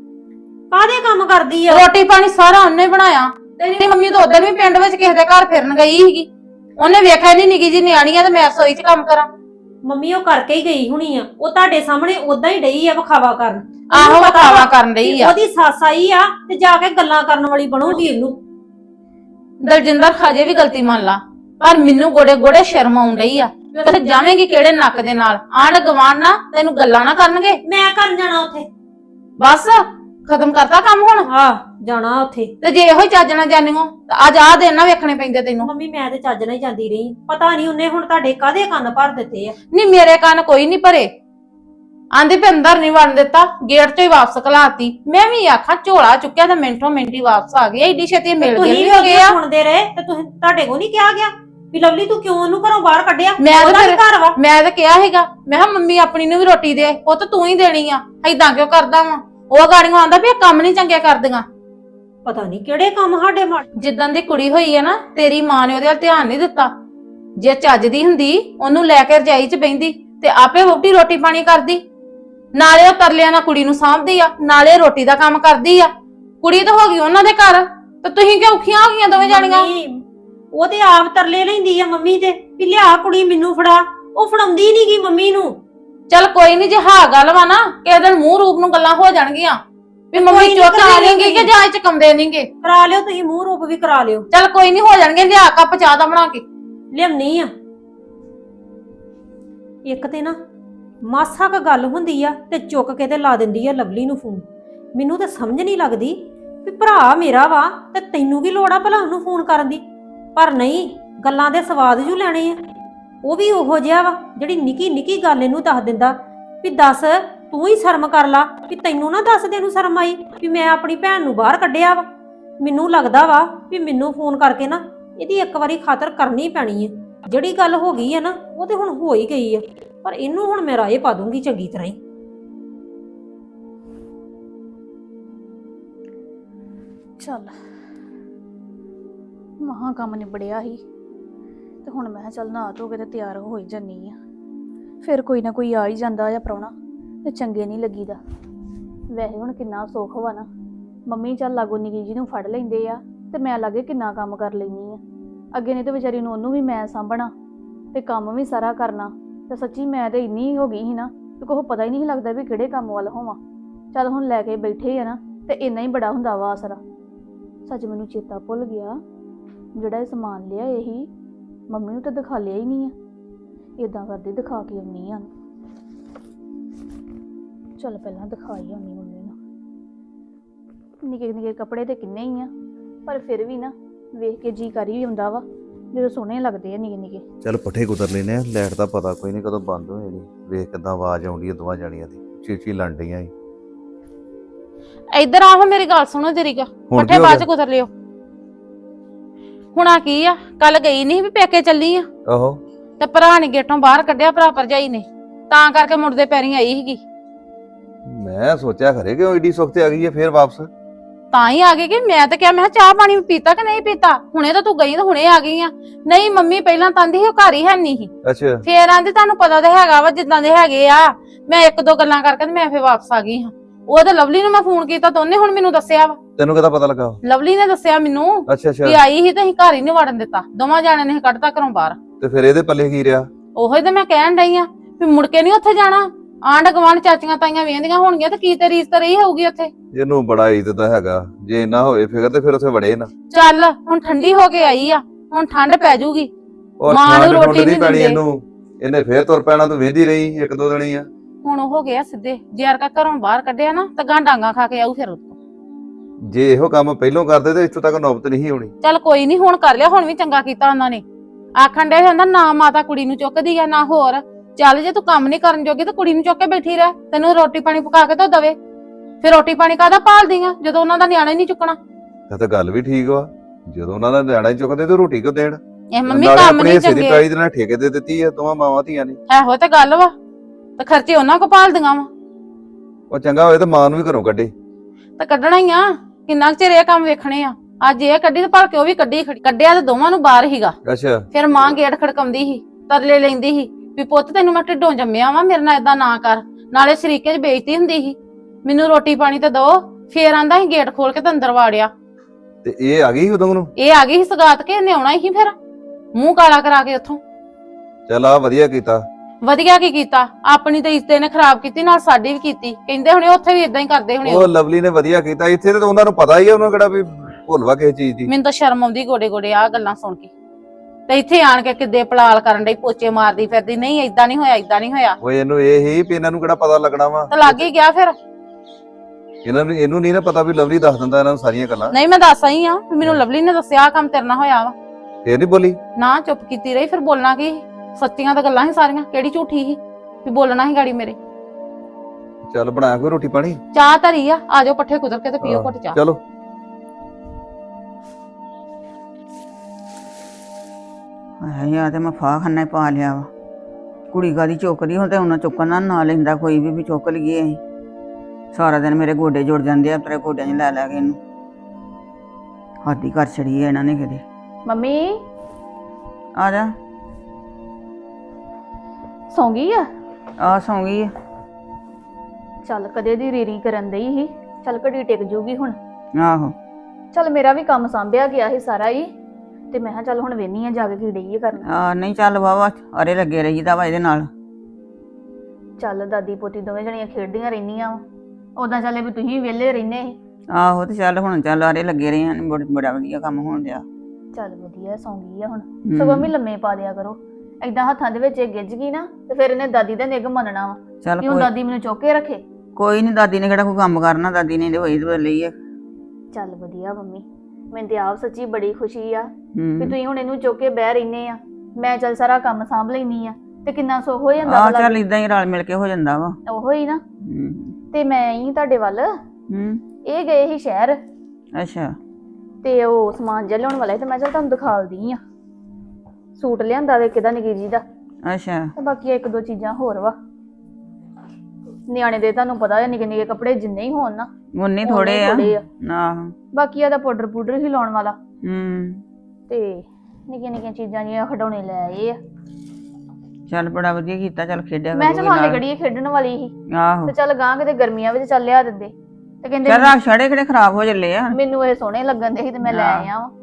[SPEAKER 2] ਕਾਹਦੇ ਕੰਮ ਕਰਦੀ ਆ?
[SPEAKER 1] ਰੋਟੀ ਪਾਣੀ ਸਾਰਾ ਉਹਨੇ ਬਣਾਇਆ। ਤੇਰੀ ਮੰਮੀ ਤਾਂ ਉਦੋਂ ਵੀ ਪਿੰਡ ਵਿੱਚ ਕਿਸੇ ਦੇ ਘਰ ਫਿਰਨ ਗਈ ਸੀਗੀ। ਉਹਨੇ ਵੇਖਿਆ ਨਹੀਂ ਨਿੱਕੀ ਜੀ ਨਿਆਣੀ ਆ ਤੇ ਮੈਂ ਰਸੋਈ 'ਚ ਕੰਮ ਕਰਾਂ।
[SPEAKER 2] ਮੰਮੀ ਉਹ ਕਰਕੇ ਹੀ ਗਈ ਹੁਣੀ ਆ, ਉਹ ਤੁਹਾਡੇ ਸਾਹਮਣੇ ਉਦਾਂ ਹੀ ਡਈ ਆ ਵਿਖਾਵਾ ਕਰਨ।
[SPEAKER 1] ਆਹੋ
[SPEAKER 2] ਉਹਨੂੰ ਪਤਾ
[SPEAKER 1] ਵਿਖਾਵਾ
[SPEAKER 2] ਵਾ
[SPEAKER 1] ਕਰਨ ਡਈ
[SPEAKER 2] ਕਿ
[SPEAKER 1] ਆ।
[SPEAKER 2] ਉਹਦੀ ਸੱਸ ਆਈ ਆ ਤੇ ਜਾ ਕੇ ਗੱਲਾਂ ਕਰਨ ਵਾਲੀ ਬਣੂਗੀ ਇਹਨੂੰ।
[SPEAKER 1] ਦਲਜਿੰਦਰ ਹਜੇ ਵੀ ਗਲਤੀ ਮੰਨ ਲਾ, ਪਰ ਮੈਨੂੰ ਗੋੜੇ ਗੋੜੇ ਸ਼ਰਮ ਆਉਣ ਡਈ ਆ। ਤੇ ਜਾਵੇਂਗੀ ਕਿਹੜੇ ਨੱਕ ਦੇ ਨਾਲ? ਆਂਢ ਗੁਆਂਢ ਨਾ ਤੈਨੂੰ ਗੱਲਾਂ ਨਾ ਕਰਨਗੇ।
[SPEAKER 2] ਮੈਂ ਕਰ ਜਾਣਾ ਉੱਥੇ,
[SPEAKER 1] ਬਸ ਖਤਮ ਕਰਤਾ ਕੰਮ ਹੁਣ।
[SPEAKER 2] ਹਾਂ ਜਾਣਾ ਉੱਥੇ।
[SPEAKER 1] ਤੇ ਜੇ ਇਹੋ ਹੀ ਚੱਜ ਨਾਲ ਜਾਣੀਓ ਤਾਂ ਅੱਜ ਆਹ ਦਿਨ ਨਾ ਵੇਖਣੇ ਪੈਂਦੇ ਤੈਨੂੰ।
[SPEAKER 2] ਮੰਮੀ ਮੈਂ ਤੇ ਚੱਜ ਨਾਲ ਹੀ ਜਾਂਦੀ ਰਹੀ, ਪਤਾ ਨਹੀਂ ਉਹਨੇ ਹੁਣ ਤੁਹਾਡੇ ਕਾਹਦੇ ਕੰਨ ਭਰ ਦਿੱਤੇ ਆ।
[SPEAKER 1] ਨਹੀਂ ਮੇਰੇ ਕੰਨ ਕੋਈ ਨਹੀਂ ਭਰੇ। ਆਂਦੇ ਵੀ ਅੰਦਰ ਨਹੀਂ ਵੜਨ ਦਿੱਤਾ, ਗੇਟ 'ਚੋਂ ਹੀ ਵਾਪਸ ਘਲਾਤੀ। ਮੈਂ ਵੀ ਆਖਾਂ ਝੋਲਾ ਚੁੱਕਿਆ ਤੇ ਮਿੰਟੋ ਮਿੰਟੀ ਵਾਪਸ ਆ ਗਈ। ਏਡੀ ਛੇਤੀ ਮਿਲ ਗਏ
[SPEAKER 2] ਤੁਸੀਂ
[SPEAKER 1] ਵੀ ਹੋ ਗਏ ਆ।
[SPEAKER 2] ਸੁਣਦੇ ਰਹੇ ਤੇ ਤੁਸੀਂ, ਤੁਹਾਡੇ ਕੋ ਨਹੀਂ ਕਿਹਾ ਗਿਆ ਵੀ ਲਵਲੀ ਤੂੰ ਕਿਉਂ ਉਹਨੂੰ ਘਰੋਂ ਬਾਹਰ ਕੱਢਿਆ?
[SPEAKER 1] ਮੈਂ ਤਾਂ
[SPEAKER 2] ਉਹਦਾ ਵੀ
[SPEAKER 1] ਫਿਰ-
[SPEAKER 2] ਘਰ ਵਾ।
[SPEAKER 1] ਮੈਂ ਤਾਂ ਕਿਹਾ ਹੈਗਾ, ਮੈਂ ਕਿਹਾ ਮੰਮੀ ਆਪਣੀ ਨੂੰ ਵੀ ਰੋਟੀ ਦੇ, ਉਹ ਤਾਂ ਤੂੰ ਹੀ ਦੇਣੀ ਆ। ਏਦਾਂ ਕਿਉਂ ਕਰਦਾ ਵਾ? ਉਹ ਗਾੜੀਆਂ ਆਂਦਾ ਵੀ ਇਹ ਕੰਮ ਨਹੀਂ ਚੰਗੇ ਕਰਦੀਆਂ।
[SPEAKER 2] ਪਤਾ ਨਹੀਂ ਕਿਹੜੇ ਕੰਮ ਸਾਡੇ ਮਾੜੇ।
[SPEAKER 1] ਜਿੱਦਾਂ ਦੀ ਕੁੜੀ ਹੋਈ ਹੈ ਨਾ, ਤੇਰੀ ਮਾਂ ਨੇ ਉਹਦੇ ਵੱਲ ਧਿਆਨ ਨਹੀਂ ਦਿੱਤਾ। ਜੇ ਚੱਜ ਦੀ ਹੁੰਦੀ ਉਹਨੂੰ ਲੈ ਕੇ ਰਜਾਈ 'ਚ ਬੈਂਦੀ ਤੇ ਆਪੇ ਵਹੁਟੀ ਰੋਟੀ ਪਾਣੀ ਕਰਦੀ। ਨਾਲੇ ਉਹ ਤਰਲਿਆਂ ਨਾਲ ਕੁੜੀ ਨੂੰ ਸਾਂਭਦੀ ਆ, ਨਾਲੇ ਰੋਟੀ ਦਾ ਕੰਮ ਕਰਦੀ ਆ। ਕੁੜੀ ਤਾਂ ਹੋ ਗਈ ਉਹਨਾਂ ਦੇ ਘਰ, ਤੇ ਤੁਸੀਂ ਕਿਉਂ ਔਖੀਆਂ ਹੋ ਗਈਆਂ ਦੋਵੇਂ ਜਾਣੀਆਂ?
[SPEAKER 2] ਮੰਮੀ, ਉਹ ਤੇ ਆਪ ਤਰਲੇ ਲੈਂਦੀ ਆ ਮੰਮੀ ਤੇ ਵੀ ਲਿਆ ਕੁੜੀ ਮੈਨੂੰ ਫੜਾ। ਉਹ ਫੜਾਉਂਦੀ ਨੀ ਗੀ ਮੰਮੀ ਨੂੰ।
[SPEAKER 1] ਚੱਲ ਕੋਈ ਨਹੀਂ, ਜੇ ਹਾਂ ਗੱਲ ਵਾ ਨਾ ਕਿਸੇ ਦਿਨ ਮੂੰਹ ਰੂਪ ਨੂੰ ਗੱਲਾਂ ਹੋ ਜਾਣਗੀਆਂ ਵੀ ਮੰਮੀ
[SPEAKER 2] ਕੋਈ ਨੀ,
[SPEAKER 1] ਚੁੱਕ
[SPEAKER 2] ਕਰਾ
[SPEAKER 1] ਲੈਣਗੇ ਕਿ
[SPEAKER 2] ਲਿਓ।
[SPEAKER 1] ਜਾਂ ਚਕਮਦੇ ਨਹੀਂਗੇ।
[SPEAKER 2] ਕਰਾ ਲਿਓ ਤੁਸੀਂ, ਮੂੰਹ ਰੂਪ ਵੀ ਕਰਾ ਲਿਓ।
[SPEAKER 1] ਚੱਲ ਕੋਈ ਨਹੀਂ, ਹੋ ਜਾਣਗੇ। ਲਿਆ ਕੱਪ ਚਾਹ ਦਾ ਬਣਾ ਕੇ
[SPEAKER 2] ਲਿਆਉਣੀ ਆ। ਇੱਕ ਤੇ ਨਾ ਮਾਸਾ ਕ ਗੱਲ ਹੁੰਦੀ ਆ ਤੇ ਚੁੱਕ ਕੇ ਤੇ ਲਾ ਦਿੰਦੀ ਆ ਲਵਲੀ ਨੂੰ ਫੋਨ। ਮੈਨੂੰ ਤਾਂ ਸਮਝ ਨਹੀਂ ਲੱਗਦੀ ਵੀ ਭਰਾ ਮੇਰਾ ਵਾ ਤੇ ਤੈਨੂੰ ਕੀ ਲੋੜ ਆ ਭਲਾ ਉਹਨੂੰ ਫੋਨ ਕਰਨ ਦੀ? ਪਰ ਨਹੀਂ, ਗੱਲਾਂ ਦੇ ਸਵਾਦ ਜੂ ਲੈਣੇ ਆ। ਉਹ ਵੀ ਉਹੋ ਜਿਹਾ ਵਾ ਜਿਹੜੀ ਨਿੱਕੀ ਨਿੱਕੀ ਗੱਲ ਇਹਨੂੰ ਦੱਸ ਦਿੰਦਾ ਵੀ ਦੱਸ ਤੂੰ ਹੀ ਸ਼ਰਮ ਕਰ ਲਾ, ਵੀ ਤੈਨੂੰ ਨਾ ਦੱਸ ਦੇ ਨੂੰ ਸ਼ਰਮ ਆਈ ਵੀ ਮੈਂ ਆਪਣੀ ਭੈਣ ਨੂੰ ਬਾਹਰ ਕੱਢਿਆ ਵਾ। ਮੈਨੂੰ ਲੱਗਦਾ ਵਾ ਵੀ ਮੈਨੂੰ ਫੋਨ ਕਰਕੇ ਨਾ ਇਹਦੀ ਇੱਕ ਵਾਰੀ ਖਾਤਰ ਕਰਨੀ ਪੈਣੀ ਹੈ। ਜਿਹੜੀ ਗੱਲ ਹੋ ਗਈ ਹੈ ਨਾ ਉਹ ਤੇ ਹੁਣ ਹੋ ਹੀ ਗਈ ਹੈ, ਪਰ ਇਹਨੂੰ ਹੁਣ ਮੈਂ ਰਾਏ ਪਾ ਦੂੰਗੀ ਚੰਗੀ ਤਰ੍ਹਾਂ ਹੀ।
[SPEAKER 4] ਚੱਲ ਮਹਾ ਕੰਮ ਨਿਬੜਿਆ ਸੀ ਤੇ ਹੁਣ ਮੈਂ ਕਿਹਾ ਚੱਲ ਨਹਾ ਧੋ ਕੇ ਤੇ ਤਿਆਰ ਹੋ ਹੀ ਜਾਨੀ ਆ। ਫਿਰ ਕੋਈ ਨਾ ਕੋਈ ਆ ਹੀ ਜਾਂਦਾ ਜਾਂ ਪ੍ਰਾਹੁਣਾ ਤੇ ਚੰਗੇ ਨਹੀਂ ਲੱਗੀਦਾ। ਵੈਸੇ ਹੁਣ ਕਿੰਨਾ ਸੁੱਖ ਵਾ ਨਾ, ਮੰਮੀ ਚੱਲ ਲਾਗੋ ਨਿੱਕੀ ਜੀ ਨੂੰ ਫੜ ਲੈਂਦੇ ਆ ਤੇ ਮੈਂ ਲਾਗੇ ਕਿੰਨਾ ਕੰਮ ਕਰ ਲੈਣੀ ਆ। ਅੱਗੇ ਨਹੀਂ ਤੇ ਵਿਚਾਰੀ ਨੂੰ ਉਹਨੂੰ ਵੀ ਮੈਂ ਸਾਂਭਣਾ ਤੇ ਕੰਮ ਵੀ ਸਾਰਾ ਕਰਨਾ। ਤੇ ਸੱਚੀ ਮੈਂ ਤੇ ਇੰਨੀ ਹੋ ਗਈ ਸੀ ਨਾ ਕਿ ਕੋਈ ਪਤਾ ਹੀ ਨਹੀਂ ਲੱਗਦਾ ਵੀ ਕਿਹੜੇ ਕੰਮ ਵੱਲ ਹੋਵਾਂ। ਚੱਲ ਹੁਣ ਲੈ ਕੇ ਬੈਠੇ ਆ ਨਾ ਤੇ ਇੰਨਾ ਹੀ ਬੜਾ ਹੁੰਦਾ ਵਾ ਆਸਰਾ। ਸੱਚ ਮੈਨੂੰ ਚੇਤਾ ਭੁੱਲ ਗਿਆ, ਜਿਹੜਾ ਇਹ ਸਮਾਨ ਲਿਆ ਇਹੀ ਮੰਮੀ ਨੂੰ ਤਾਂ ਦਿਖਾ ਲਿਆ ਹੀ ਨਹੀਂ ਆ। ਇਦਾਂ ਕਰਦੀ ਦਿਖਾ ਕੇ ਆਉਣੀ ਆ। ਚੱਲ ਪਹਿਲਾਂ ਦਿਖਾ ਹੀ ਆਉਣੀ ਮੰਮੀ ਨੂੰ। ਨਿੱਕੇ ਨਿੱਕੇ ਕੱਪੜੇ ਤੇ ਕਿੰਨੇ ਹੀ ਆ, ਪਰ ਫਿਰ ਵੀ ਨਾ ਵੇਖ ਕੇ ਜੀ ਕਰ ਹੀ ਆਉਂਦਾ ਵਾ ਜਦੋਂ ਸੋਹਣੇ ਲੱਗਦੇ ਆ ਨਿੱਕੇ ਨਿੱਕੇ।
[SPEAKER 5] ਚੱਲ ਪੱਠੇ ਕੁਤਰ ਲੈਨੇ ਆ। ਲੈਟ ਦਾ ਪਤਾ ਕੋਈ ਨਹੀਂ ਕਦੋਂ ਬੰਦ ਹੋ ਜਾਣੀ। ਵੇਖ ਕਿੱਦਾਂ ਆਵਾਜ਼ ਆਉਂਦੀ ਹੈ ਦੋਵਾਂ ਜਾਣੀਆਂ ਦੀ, ਚੀਚੀ ਲੰਡ ਡੀਆਂ ਈ।
[SPEAKER 1] ਇੱਧਰ ਆਹੋ, ਮੇਰੀ ਗੱਲ ਸੁਣੋ ਜਰੀ ਕਾ।
[SPEAKER 5] ਹੁਣ
[SPEAKER 1] ਪੱਠੇ
[SPEAKER 5] ਕੀ ਹੋ
[SPEAKER 1] ਬਾਅਦ ਚ
[SPEAKER 5] ਗਿਆ?
[SPEAKER 1] ਕੁਤਰ ਲਿਓ। ਹੁਣ ਆ ਕੀ ਆ, ਕੱਲ ਗਈ ਨਹੀਂ ਵੀ ਪੇਕੇ ਚੱਲੀ ਆ
[SPEAKER 5] ਆਹੋ,
[SPEAKER 1] ਤੇ ਭਰਾ ਨੇ ਗੇਟੋਂ ਬਾਹਰ ਕੱਢਿਆ, ਭਰਾ ਭਰਜਾਈ ਨੇ, ਤਾਂ ਕਰਕੇ ਮੁੜਦੇ ਪੈਰੀ ਆਈ ਸੀਗੀ।
[SPEAKER 5] ਮੈਂ ਸੋਚਿਆ ਖਰੇ ਕਿ ਉਹ ਏਡੀ ਸੁੱਖ ਤੇ ਆ ਗਈ ਹੈ ਫੇਰ ਵਾਪਸ।
[SPEAKER 1] ਤਾਂ ਹੀ ਆ ਗਈ ਕਿ ਮੈਂ ਤਾਂ ਕਿਹਾ ਮੈਂ ਕਿਹਾ ਚਾਹ ਪਾਣੀ ਪੀਤਾ ਕਿ ਨਹੀਂ ਪੀਤਾ। ਹੁਣੇ ਤਾਂ ਤੂੰ ਗਈ ਤਾਂ ਹੁਣੇ ਆ ਗਈ ਆ। ਨਹੀਂ ਮੰਮੀ ਪਹਿਲਾਂ ਤਾਂ ਆਂਦੀ ਸੀ ਉਹ ਘਰ ਹੀ ਹੈ ਨਹੀਂ ਸੀ,
[SPEAKER 5] ਅੱਛਾ,
[SPEAKER 1] ਫੇਰ ਆਂਦੀ ਤੁਹਾਨੂੰ ਪਤਾ ਤਾਂ ਹੈਗਾ ਵਾ ਜਿੱਦਾਂ ਦੇ ਹੈਗੇ ਆ। ਮੈਂ ਇੱਕ ਦੋ ਗੱਲਾਂ ਕਰਕੇ ਤੇ ਮੈਂ ਫੇਰ ਵਾਪਸ ਆ ਗਈ ਹਾਂ। ਉਹ ਤਾਂ ਲਵਲੀ ਨੂੰ ਮੈਂ ਫੋਨ ਕੀਤਾ ਤਾਂ ਉਹਨੇ ਹੁਣ ਮੈਨੂੰ ਦੱਸਿਆ ਵਾ।
[SPEAKER 5] ਤੈਨੂੰ ਕਿੱਦਾਂ ਪਤਾ ਲੱਗਾ?
[SPEAKER 1] ਲਵਲੀ ਨੇ ਦੱਸਿਆ ਮੈਨੂੰ
[SPEAKER 5] ਅੱਛਾ ਅੱਛਾ,
[SPEAKER 1] ਵੀ ਆਈ ਸੀ ਤੇ ਅਸੀਂ ਘਰ ਹੀ ਨਹੀਂ ਵੜਨ ਦਿੱਤਾ। ਦੋਵਾਂ ਜਾਣਿਆਂ ਨੇ ਕੱਢਤਾ ਘਰੋਂ ਬਾਹਰ।
[SPEAKER 5] ਤੇ ਫਿਰ ਇਹਦੇ ਪੱਲੇ ਕੀ ਰਿਹਾ?
[SPEAKER 1] ਉਹੀ ਤਾਂ ਮੈਂ ਕਹਿਣ ਡਈ ਆ ਵੀ ਮੁੜ ਕੇ ਨਹੀਂ ਉੱਥੇ ਜਾਣਾ। ਆਂਢ ਗੁਆਂਢ ਚਾਚੀਆਂ ਤਾਈਆਂ ਵੇਂਦੀਆਂ ਹੋਣਗੀਆਂ ਤੇ ਕੀ ਤੇਰੀ ਇੱਜ਼ਤ ਰਹੀ ਹੋਊਗੀ ਉੱਥੇ।
[SPEAKER 5] ਇਹਨੂੰ ਬੜਾ ਇੱਜ਼ਤ ਹੈਗਾ, ਜੇ ਇੰਨਾ ਹੋਵੇ ਫਿਕਰ ਤੇ ਫਿਰ ਉੱਥੇ ਵੜੇ ਨਾ।
[SPEAKER 1] ਚੱਲ ਹੁਣ ਠੰਡੀ ਹੋ ਕੇ ਆਈ ਆ, ਹੁਣ ਠੰਡ ਪੈ ਜੂਗੀ।
[SPEAKER 5] ਉਹ
[SPEAKER 1] ਮਾਂ ਨੂੰ
[SPEAKER 5] ਠੰਡ
[SPEAKER 1] ਰੋਟੀ
[SPEAKER 5] ਠੁੰਡ
[SPEAKER 1] ਨਹੀਂ
[SPEAKER 5] ਨਹੀਂ ਪੈਣੀ
[SPEAKER 1] ਦਿੰਦੇ।
[SPEAKER 5] ਇਹਨੂੰ, ਇਹਨੇ ਫੇਰ ਤੁਰ ਪੈਣਾ, ਤੂੰ ਵੇਂਦੀ ਰਹੀ ਇੱਕ ਦੋ ਦਿਨ ਹੀ ਆ।
[SPEAKER 1] ਹੁਣ ਉਹ ਹੋ ਗਿਆ ਸਿੱਧੇ, ਜੇ ਅਰਕਾ ਘਰੋਂ ਬਾਹਰ ਕੱਢਿਆ ਨਾ ਤਾਂ ਗਾਂ ਡਾਂਗਾ ਖਾ ਕੇ ਆਊ ਫਿਰ ਉੱਤੋਂ।
[SPEAKER 5] ਜੇ ਇਹੋ ਕੰਮ ਪਹਿਲੋਂ ਕਰਦੇ ਤੇ ਇੱਥੋਂ ਤੱਕ ਨੌਬਤ ਨਹੀਂ ਹੋਣੀ।
[SPEAKER 1] ਚੱਲ ਕੋਈ ਨਹੀਂ, ਹੁਣ ਕਰ ਲਿਆ, ਹੁਣ ਵੀ ਚੰਗਾ ਕੀਤਾ ਉਹਨਾਂ ਨੇ। ਆਖਣ ਡਿਆ ਹੁੰਦਾ ਨਾ ਮਾਤਾ ਕੁੜੀ ਨੂੰ ਚੁੱਕਦੀ ਆ ਨਾ ਹੋਰ। ਚੱਲ ਜੇ ਤੂੰ ਕੰਮ ਨਹੀਂ ਕਰਨ ਜੋਗੀ ਤਾਂ ਕੁੜੀ ਨੂੰ ਚੁੱਕ ਕੇ ਬੈਠੀ ਰਹਿ, ਤੈਨੂੰ ਰੋਟੀ ਪਾਣੀ ਪਕਾ ਕੇ ਤਾਂ ਦਵੇ। ਫਿਰ ਰੋਟੀ ਪਾਣੀ ਕਾਹਦਾ ਭਾਲਦੀ ਆ ਜਦੋਂ ਉਹਨਾਂ ਦਾ ਨਿਆਣਾ ਹੀ ਨਹੀਂ ਚੁੱਕਣਾ।
[SPEAKER 5] ਤਾਂ ਤਾਂ ਗੱਲ ਵੀ ਠੀਕ ਵਾ, ਜਦੋਂ ਉਹਨਾਂ ਦਾ ਨਿਆਣਾ ਹੀ ਚੁੱਕਦੇ ਤੇ ਰੋਟੀ ਕਿਉਂ ਦੇਣ?
[SPEAKER 1] ਇਹ ਮੰਮੀ
[SPEAKER 5] ਨਾਲੇ
[SPEAKER 1] ਕੰਮ
[SPEAKER 5] ਆਪਣੇ
[SPEAKER 1] ਨਹੀਂ
[SPEAKER 5] ਹਿੱਸੇ ਦੀ
[SPEAKER 1] ਚੰਗੇ
[SPEAKER 5] ਪੈਲੀ ਦੇ ਨਾਲ ਠੇਕੇ ਦੇ ਦਿੱਤੀ ਆ ਦੋਵਾਂ ਮਾਵਾਂ ਧੀਆਂ ਨੇ।
[SPEAKER 1] ਇਹੋ ਤੇ ਗੱਲ ਵਾ, ਤੇ ਖਰਚੇ ਉਹਨਾਂ ਕੋ ਭਾਲਦੀਆਂ ਵਾ।
[SPEAKER 5] ਉਹ ਚੰਗਾ ਹੋਏ ਤਾਂ ਮਾਂ ਨੂੰ ਵੀ ਘਰੋਂ ਕੱਢੇ।
[SPEAKER 1] ਤਾਂ ਕੱਢਣਾ ਹੀ ਆ, ਕਿੰਨਾ ਕੁ ਚਿਰ ਇਹ ਕੰਮ ਵੇਖਣੇ ਆ। ਅੱਜ ਇਹ ਕੱਢੀ ਤੇ ਭਲਕੇ ਉਹ ਵੀ ਕੱਢੀ ਖੜੀ। ਕੱਢਿਆ ਤੇ ਦੋਵਾਂ ਨੂੰ ਬਾਹਰ ਹੀਗਾ।
[SPEAKER 5] ਅੱਛਾ
[SPEAKER 1] ਫਿਰ ਮਾਂ ਗੇਟ ਖੜਕਾਉਂਦੀ ਸੀ, ਤਰਲੇ ਲੈਂਦੀ ਸੀ ਵੀ ਪੁੱਤ ਤੈਨੂੰ ਮੈਂ ਢਿੱਡੋਂ ਜੰਮਿਆ ਵਾ, ਮੇਰੇ ਨਾਲ ਏਦਾਂ ਨਾ ਕਰ। ਨਾਲੇ ਸ਼ਰੀਕੇ 'ਚ ਬੇਇੱਜ਼ਤੀ ਹੁੰਦੀ ਸੀ, ਮੈਨੂੰ ਰੋਟੀ ਪਾਣੀ ਤੇ ਦੋ। ਫੇਰ ਆਂਦਾ ਸੀ ਗੇਟ ਖੋਲ ਕੇ ਤੇ ਅੰਦਰ ਵਾੜਿਆ।
[SPEAKER 5] ਤੇ ਇਹ ਆ ਗਈ ਉਦੋਂ ਨੂੰ?
[SPEAKER 1] ਇਹ ਆ ਗਈ ਸੀ ਸਗਾਤ ਕੇ, ਇਹਨੇ ਆਉਣਾ ਹੀ ਫਿਰ ਮੂੰਹ ਕਾਲਾ ਕਰਾ ਕੇ ਉੱਥੋਂ।
[SPEAKER 5] ਚੱਲ ਆ ਵਧੀਆ ਕੀਤਾ।
[SPEAKER 1] ਵਧੀਆ ਕੀ ਕੀਤਾ, ਆਪਣੀ ਤਾਂ ਇੱਜ਼ਤ ਇਹਨੇ ਖਰਾਬ ਕੀਤੀ, ਨਾਲ ਸਾਡੀ ਵੀ ਕੀਤੀ। ਕਹਿੰਦੇ ਹੁਣੇ ਉੱਥੇ ਵੀ ਇਦਾਂ ਹੀ ਕਰਦੇ ਹੁਣੇ।
[SPEAKER 5] ਉਹ ਲਵਲੀ ਨੇ ਵਧੀਆ ਕੀਤਾ, ਇੱਥੇ ਤੇ ਉਹਨਾਂ ਨੂੰ ਪਤਾ ਹੀ ਆ, ਉਹਨਾਂ ਕਿਹੜਾ ਵੀ ਭੁੱਲਵਾ ਕਿਸੇ ਚੀਜ਼ ਦੀ।
[SPEAKER 1] ਮੈਨੂੰ ਤਾਂ ਸ਼ਰਮ ਆਉਂਦੀ ਗੋਡੇ ਗੋਡੇ ਆਹ ਗੱਲਾਂ ਸੁਣ ਕੇ। ਤੇ ਇੱਥੇ ਆਣ ਕੇ ਕਿੱਦੇ ਪਲਾਲ ਕਰਨ ਡਈ, ਪੋਚੇ ਮਾਰਦੀ ਫਿਰਦੀ, ਨਹੀਂ ਏਦਾਂ ਨਹੀਂ ਹੋਇਆ, ਏਦਾਂ ਨਹੀਂ ਹੋਇਆ।
[SPEAKER 5] ਓਏ ਇਹਨੂੰ ਇਹ ਹੀ ਵੀ ਇਹਨਾਂ ਨੂੰ ਕਿਹੜਾ ਪਤਾ ਲੱਗਣਾ ਵਾ।
[SPEAKER 1] ਤਾਂ ਲੱਗ ਹੀ ਗਿਆ ਫਿਰ।
[SPEAKER 5] ਇਹਨਾਂ ਨੂੰ ਇਹਨੂੰ ਨਹੀਂ ਨਾ ਪਤਾ ਵੀ ਲਵਲੀ ਦੱਸ ਦਿੰਦਾ ਇਹਨਾਂ ਨੂੰ ਸਾਰੀਆਂ ਗੱਲਾਂ।
[SPEAKER 1] ਨਹੀਂ ਮੈਂ ਦੱਸ ਆਈ ਆ, ਮੈਨੂੰ ਲਵਲੀ ਨੇ ਦੱਸਿਆ ਆਹ ਕੰਮ ਤੇਰੇ ਨਾਲ ਹੋਇਆ ਵਾ।
[SPEAKER 5] ਫੇਰ ਨਹੀਂ ਬੋਲੀ?
[SPEAKER 1] ਨਾ ਚੁੱਪ ਕੀਤੀ ਰਹੀ, ਫਿਰ ਬੋਲਣਾ ਕੀ? ਸੱਚੀਆਂ ਤਾਂ ਗੱਲਾਂ ਸੀ ਸਾਰੀਆਂ, ਕਿਹੜੀ ਝੂਠੀ ਸੀ ਵੀ ਬੋਲਣਾ ਸੀ ਗਾੜੀ ਮੇਰੇ।
[SPEAKER 5] ਚੱਲ ਬਣਾਇਆ ਕੋਈ ਰੋਟੀ ਪਾਣੀ?
[SPEAKER 1] ਚਾਹ ਧਰੀ ਆ, ਆ ਜਾਓ ਪੱਠੇ ਕੁਦਰ ਕੇ ਤੇ ਪੀਓ ਘੁੱਟ ਚਾਹ।
[SPEAKER 5] ਚਲੋ
[SPEAKER 6] ਹਾਏ ਆ ਤੇ ਮੈਂ ਫਾਹ ਖਾਨਾ ਪਾ ਲਿਆ ਵਾ। ਕੁੜੀ ਕਾਦੀ ਚੁੱਕਦੀ ਹੁਣ ਤੇ ਉਹਨਾਂ ਚੁੱਕਣ ਦਾ ਨਾਂ ਲੈਂਦਾ ਕੋਈ ਵੀ ਵੀ ਚੁੱਕ ਲਈਏ ਅਸੀਂ। ਸਾਰਾ ਦਿਨ ਮੇਰੇ ਗੋਡੇ ਜੁੜ ਜਾਂਦੇ ਆ ਤੇਰੇ ਗੋਡਿਆਂ 'ਚ ਲੈ ਲੈ ਕੇ ਇਹਨੂੰ। ਹੱਦ ਹੀ ਕਰ ਛੜੀ ਹੈ ਇਹਨਾਂ ਨੇ ਕਿਤੇ।
[SPEAKER 4] ਮੰਮੀ
[SPEAKER 6] ਆ ਜਾ।
[SPEAKER 4] ਸੌਂ ਗਈ ਆ?
[SPEAKER 6] ਆ ਸੌਂ ਗਈ ਆ।
[SPEAKER 4] ਚੱਲ ਕਦੇ ਦੀ ਰੀਰੀ ਕਰਨ ਦਈ ਸੀ, ਚੱਲ ਘੜੀ ਟਿਕ ਜੂਗੀ ਹੁਣ।
[SPEAKER 6] ਆਹੋ
[SPEAKER 4] ਚੱਲ ਮੇਰਾ ਵੀ ਕੰਮ ਸਾਂਭਿਆ ਗਿਆ ਸੀ ਸਾਰਾ ਹੀ, ਤੇ ਮੈਂ ਕਿਹਾ ਚੱਲ ਹੁਣ ਵੇਹਨੀ ਆ ਜਾ ਕੇ ਕੀ ਡਈ ਆ ਕਰਨ।
[SPEAKER 6] ਆ ਨਹੀਂ ਚੱਲ ਵਾਵਾ ਅਰੇ ਲੱਗੇ ਰਹੀਦਾ ਵਾ ਇਹਦੇ ਨਾਲ।
[SPEAKER 4] ਚੱਲ ਦਾਦੀ ਪੋਤੀ ਦੋਵੇਂ ਜਣੀਆਂ ਖੇਡਦੀਆਂ ਰਹਿੰਦੀਆਂ ਵਾ, ਉਦਾਂ ਚੱਲੇ ਵੀ ਤੁਸੀਂ ਵਿਹਲੇ ਰਹਿੰਦੇ ਸੀ।
[SPEAKER 6] ਆਹੋ ਤੇ ਚੱਲ ਹੁਣ ਚੱਲ ਆਰੇ ਲੱਗੇ ਰਹੇ ਹਨ, ਬੜਾ ਬੜਾ ਵਧੀਆ ਕੰਮ ਹੋਣ ਡਿਆ।
[SPEAKER 4] ਚੱਲ ਵਧੀਆ, ਸੌਂ ਗਈ ਆ ਹੁਣ। ਸਗੋਂ ਵੀ ਲੰਮੇ ਪਾ ਦਿਆ ਕਰੋ, ਏਦਾਂ ਹੱਥਾਂ ਦੇ ਵਿੱਚ ਇਹ ਗਿੱਜ ਗਈ ਨਾ ਤੇ ਫਿਰ ਇਹਨੇ ਦਾਦੀ ਦਾ ਨਿੱਘ ਮੰਨਣਾ ਵਾ
[SPEAKER 6] ਚੱਲ
[SPEAKER 4] ਕਿ ਹੁਣ
[SPEAKER 6] ਕੋਈ
[SPEAKER 4] ਦਾਦੀ ਮੈਨੂੰ ਚੁੱਕ ਕੇ ਰੱਖੇ।
[SPEAKER 6] ਕੋਈ ਨਹੀਂ, ਦਾਦੀ ਨੇ ਕਿਹੜਾ ਕੋਈ ਕੰਮ ਕਰਨਾ, ਦਾਦੀ ਨੇ ਤੇ ਹੋਈ ਤੇ ਲਈ ਆ।
[SPEAKER 4] ਚੱਲ ਵਧੀਆ ਮੰਮੀ, ਮੈਨੂੰ ਤੇ ਆਪ ਸੱਚੀ ਬੜੀ ਖੁਸ਼ੀ ਆ ਵੀ
[SPEAKER 6] ਹੂੰ
[SPEAKER 4] ਤੁਸੀਂ ਹੁਣ ਇਹਨੂੰ ਚੁੱਕ ਕੇ ਬਹਿ ਰਹਿੰਦੇ ਆ। ਮੈਂ ਚੱਲ ਸਾਰਾ ਕੰਮ ਸਾਂਭ ਲੈਣੀ ਆ ਤੇ ਕਿੰਨਾ ਸੁੱਖ ਹੋ ਜਾਂਦਾ
[SPEAKER 6] ਆ
[SPEAKER 4] ਭਲਾ।
[SPEAKER 6] ਚੱਲ ਇਦਾਂ ਹੀ ਰਲ ਮਿਲ ਕੇ ਹੋ ਜਾਂਦਾ ਵਾ।
[SPEAKER 4] ਉਹੋ ਹੀ ਨਾ।
[SPEAKER 6] ਹੂੰ
[SPEAKER 4] ਤੇ ਮੈਂ ਆਈ ਤੁਹਾਡੇ ਵੱਲ,
[SPEAKER 6] ਹੂੰ
[SPEAKER 4] ਇਹ ਗਏ ਸੀ ਸ਼ਹਿਰ
[SPEAKER 6] ਅੱਛਾ
[SPEAKER 4] ਤੇ ਉਹ ਸਮਾਨ ਜਿਹਾ ਲਿਆਉਣ ਵਾਲਾ ਸੀ ਤੇ ਮੈਂ ਚੱਲ ਤੁਹਾਨੂੰ ਦਿਖਾਲਦੀ ਆ। ਸੂਟ ਲਿਆਂਦਾ ਵੇ ਕਿਦਾ ਨਿੱਕੀ ਜੀ ਦਾ,
[SPEAKER 6] ਅੱਛਾ
[SPEAKER 4] ਤੇ ਬਾਕੀ ਇੱਕ ਦੋ ਚੀਜ਼ਾਂ ਹੋਰ ਵਾ। ਨਿਆਣੇ ਦੇ ਤੁਹਾਨੂੰ ਪਤਾ ਹੈ ਨਿੱਕੇ ਨਿੱਕੇ ਕੱਪੜੇ ਜਿੰਨੇ ਹੀ ਹੋਣ ਨਾ
[SPEAKER 6] ਮੁੰਨੀ
[SPEAKER 4] ਓਨੇ
[SPEAKER 6] ਥੋੜੇ ਆ।
[SPEAKER 4] ਥੋੜੇ ਆ।
[SPEAKER 6] ਆਹੋ
[SPEAKER 4] ਬਾਕੀ ਇਹਦਾ ਪਾਊਡਰ ਪੂਡਰ ਹੀ ਲਾਉਣ ਵਾਲਾ
[SPEAKER 6] ਹੂੰ
[SPEAKER 4] ਤੇ ਨਿੱਕੀਆਂ ਨਿੱਕੀਆਂ ਚੀਜ਼ਾਂ ਜਿਹੀਆਂ ਖਿਡੌਣੇ ਲੈ ਆਏ ਆ।
[SPEAKER 6] ਚੱਲ ਬੜਾ ਵਧੀਆ ਕੀਤਾ, ਚੱਲ ਖੇਡਿਆ
[SPEAKER 4] ਮੈਂ
[SPEAKER 6] ਕਰੂਗੀ
[SPEAKER 4] ਚੱਲ ਹਾਲੇ
[SPEAKER 6] ਨਾਲ।
[SPEAKER 4] ਗੜੀ ਖੇਡਣ ਵਾਲੀ ਸੀ
[SPEAKER 6] ਆਹੋ
[SPEAKER 4] ਤੇ ਚੱਲ ਗਾਂ ਕਿਤੇ ਗਰਮੀਆਂ ਵਿੱਚ ਚੱਲ ਲਿਆ ਦਿੰਦੇ ਤੇ ਕਹਿੰਦੇ
[SPEAKER 6] ਚੱਲ ਰੱਖ ਛੜੇ ਕਿਹੜੇ ਖਰਾਬ ਹੋ ਚੱਲੇ ਆ।
[SPEAKER 4] ਮੈਨੂੰ ਇਹ ਸੋਹਣੇ ਲੱਗਣ ਦੇ ਸੀ ਤੇ ਮੈਂ ਲੈ ਆਇਆ ਵਾ।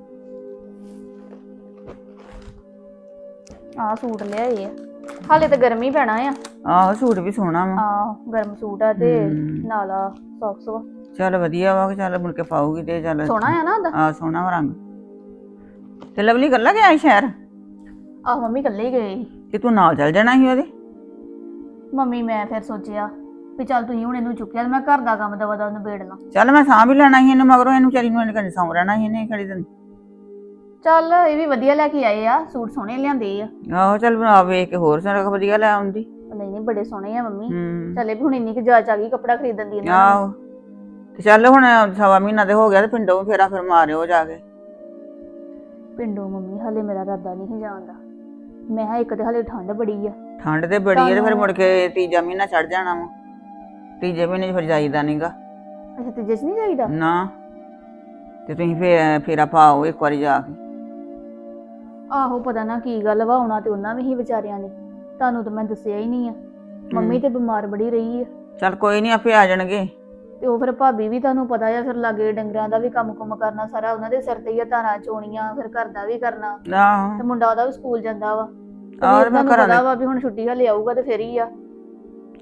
[SPEAKER 4] ਆਹ ਸੂਟ ਲਿਆਏ ਆ, ਹਾਲੇ ਤਾਂ ਗਰਮੀ ਪੈਣਾ ਆ।
[SPEAKER 6] ਆਹੋ ਸੂਟ ਵੀ ਸੋਹਣਾ ਵਾ।
[SPEAKER 4] ਆਹ ਗਰਮ ਸੂਟ ਆ ਤੇ
[SPEAKER 6] ਹਮ।
[SPEAKER 4] ਨਾਲ ਆ ਸੌਕਸ ਵਾ।
[SPEAKER 6] ਚੱਲ ਵਧੀਆ ਵਾ ਕਿ ਚੱਲ ਮੁੜ ਕੇ ਪਾਉਗੀ ਤੇ ਚੱਲ
[SPEAKER 4] ਸੋਹਣਾ ਆ ਨਾ ਉਹਦਾ।
[SPEAKER 6] ਆਹ ਸੋਹਣਾ ਵਾ ਰੰਗ। ਤੇ ਲਵਲੀ ਕੱਲਾ ਗਿਆ ਸੀ ਸ਼ਹਿਰ?
[SPEAKER 4] ਆਹ ਮੰਮੀ ਇਕੱਲੇ ਹੀ ਗਏ ਸੀ।
[SPEAKER 6] ਤੇ ਤੂੰ ਨਾਲ ਚੱਲ ਜਾਣਾ ਸੀ ਉਹਦੇ।
[SPEAKER 4] ਮੰਮੀ ਮੈਂ ਫਿਰ ਸੋਚਿਆ ਵੀ ਚੱਲ ਤੁਸੀਂ ਹੁਣ ਇਹਨੂੰ ਚੁੱਕਿਆ ਤੇ ਮੈਂ ਘਰ ਦਾ ਕੰਮ ਦਵਾ ਦਾ ਨਿਬੇੜ ਲਾਂ।
[SPEAKER 6] ਚੱਲ ਮੈਂ ਸਾਂਭ ਹੀ ਲੈਣਾ ਸੀ ਇਹਨੂੰ, ਮਗਰੋਂ ਇਹਨੂੰ ਚਾਰੀ ਨੂੰ ਇਹਨੇ ਸੌਂ ਰਹਿਣਾ ਸੀ ਇਹਨੇ ਖੜੀ ਦਿਨ।
[SPEAKER 4] ਚੱਲ ਇਹ ਵੀ ਵਧੀਆ ਲੈ ਕੇ ਆਏ ਆ, ਸੂਟ ਸੋਹਣੇ ਲਿਆਂਦੇ ਆ।
[SPEAKER 6] ਆਹੋ ਚੱਲ ਆ ਵੇਖ ਕੇ ਹੋਰ ਸਾਰਾ ਵਧੀਆ ਲੈ ਆਉਂਦੀ।
[SPEAKER 4] ਨਹੀਂ ਨਹੀਂ ਬੜੇ ਸੋਹਣੇ ਆ ਮੰਮੀ।
[SPEAKER 6] ਹੂੰ
[SPEAKER 4] ਚੱਲੇ ਵੀ ਹੁਣ ਇੰਨੀ ਕੁ ਜਾਚ ਆ ਗਈ ਕੱਪੜਾ ਖਰੀਦਣ ਦੀ ਇਹਨਾਂ ਨੂੰ।
[SPEAKER 6] ਆਹੋ ਤੇ ਚੱਲ ਹੁਣ ਸਵਾ ਮਹੀਨਾ ਤੇ ਹੋ ਗਿਆ ਤੇ ਪਿੰਡੋਂ ਫੇਰਾ ਫਿਰ ਮਾਰਿਓ ਜਾ ਕੇ।
[SPEAKER 4] ਪਿੰਡੋਂ ਮੰਮੀ ਹਲੇ ਮੇਰਾ ਇਰਾਦਾ ਨਹੀਂ ਜਾਂਦਾ। ਮੈਂ ਕਿਹਾ ਇੱਕ ਤੇ ਹਲੇ ਠੰਡ ਬੜੀ ਆ।
[SPEAKER 6] ਠੰਡ ਤੇ ਬੜੀ ਹੈ ਤੇ ਫਿਰ ਮੁੜ ਕੇ ਤੀਜਾ ਮਹੀਨਾ ਚੜ ਜਾਣਾ ਵਾ। ਤੀਜੇ ਮਹੀਨੇ 'ਚ ਫਿਰ ਜਾਈਦਾ ਨਹੀਂਗਾ
[SPEAKER 4] ਅੱਛਾ ਤੀਜੇ ਚ ਨਹੀਂ ਜਾਈਦਾ?
[SPEAKER 6] ਨਾ। ਤੇ ਤੁਸੀਂ ਫੇਰ ਫੇਰਾ ਪਾਓ ਇੱਕ ਵਾਰੀ ਜਾ ਕੇ।
[SPEAKER 4] ਆਹੋ ਪਤਾ ਨਾ ਕੀ ਗੱਲ ਵਾ, ਆਉਣਾ ਤੇ ਉਹਨਾਂ ਵੀ ਹੀ ਵਿਚਾਰਿਆਂ ਨੇ, ਤੁਹਾਨੂੰ ਤਾਂ ਮੈਂ ਦੱਸਿਆ ਹੀ ਨਹੀਂ ਆ। ਮੰਮੀ ਤੇ ਬਿਮਾਰ ਬੜੀ ਰਹੀ ਆ
[SPEAKER 6] ਚੱਲ ਕੋਈ ਨਹੀਂ ਆਪੇ ਆ ਜਾਣਗੇ।
[SPEAKER 4] ਤੇ ਉਹ ਫਿਰ ਭਾਬੀ ਵੀ ਤੁਹਾਨੂੰ ਪਤਾ ਆ, ਫਿਰ ਲਾਗੇ ਡੰਗਰਾਂ ਦਾ ਵੀ ਕੰਮ ਕੁਮ ਕਰਨਾ ਸਾਰਾ ਉਹਨਾਂ ਦੇ ਸਿਰ ਤੇ ਹੀ ਆ, ਧਾਰਾਂ ਚੋਣੀਆਂ, ਫਿਰ ਘਰ ਦਾ ਵੀ ਕਰਨਾ
[SPEAKER 6] ਆਹੋ
[SPEAKER 4] ਤੇ ਮੁੰਡਾ ਉਹਦਾ ਵੀ ਸਕੂਲ ਜਾਂਦਾ ਵਾ। ਤੇ
[SPEAKER 6] ਆਹ
[SPEAKER 4] ਫਿਰ
[SPEAKER 6] ਤੇ ਮੈਂ
[SPEAKER 4] ਤੁਹਾਨੂੰ
[SPEAKER 6] ਘਰਾਂ
[SPEAKER 4] ਪਤਾ
[SPEAKER 6] ਦੇ
[SPEAKER 4] ਵਾ ਵੀ ਹੁਣ ਛੁੱਟੀ ਹਲੇ ਆਊਗਾ ਤੇ ਫਿਰ ਹੀ ਆ।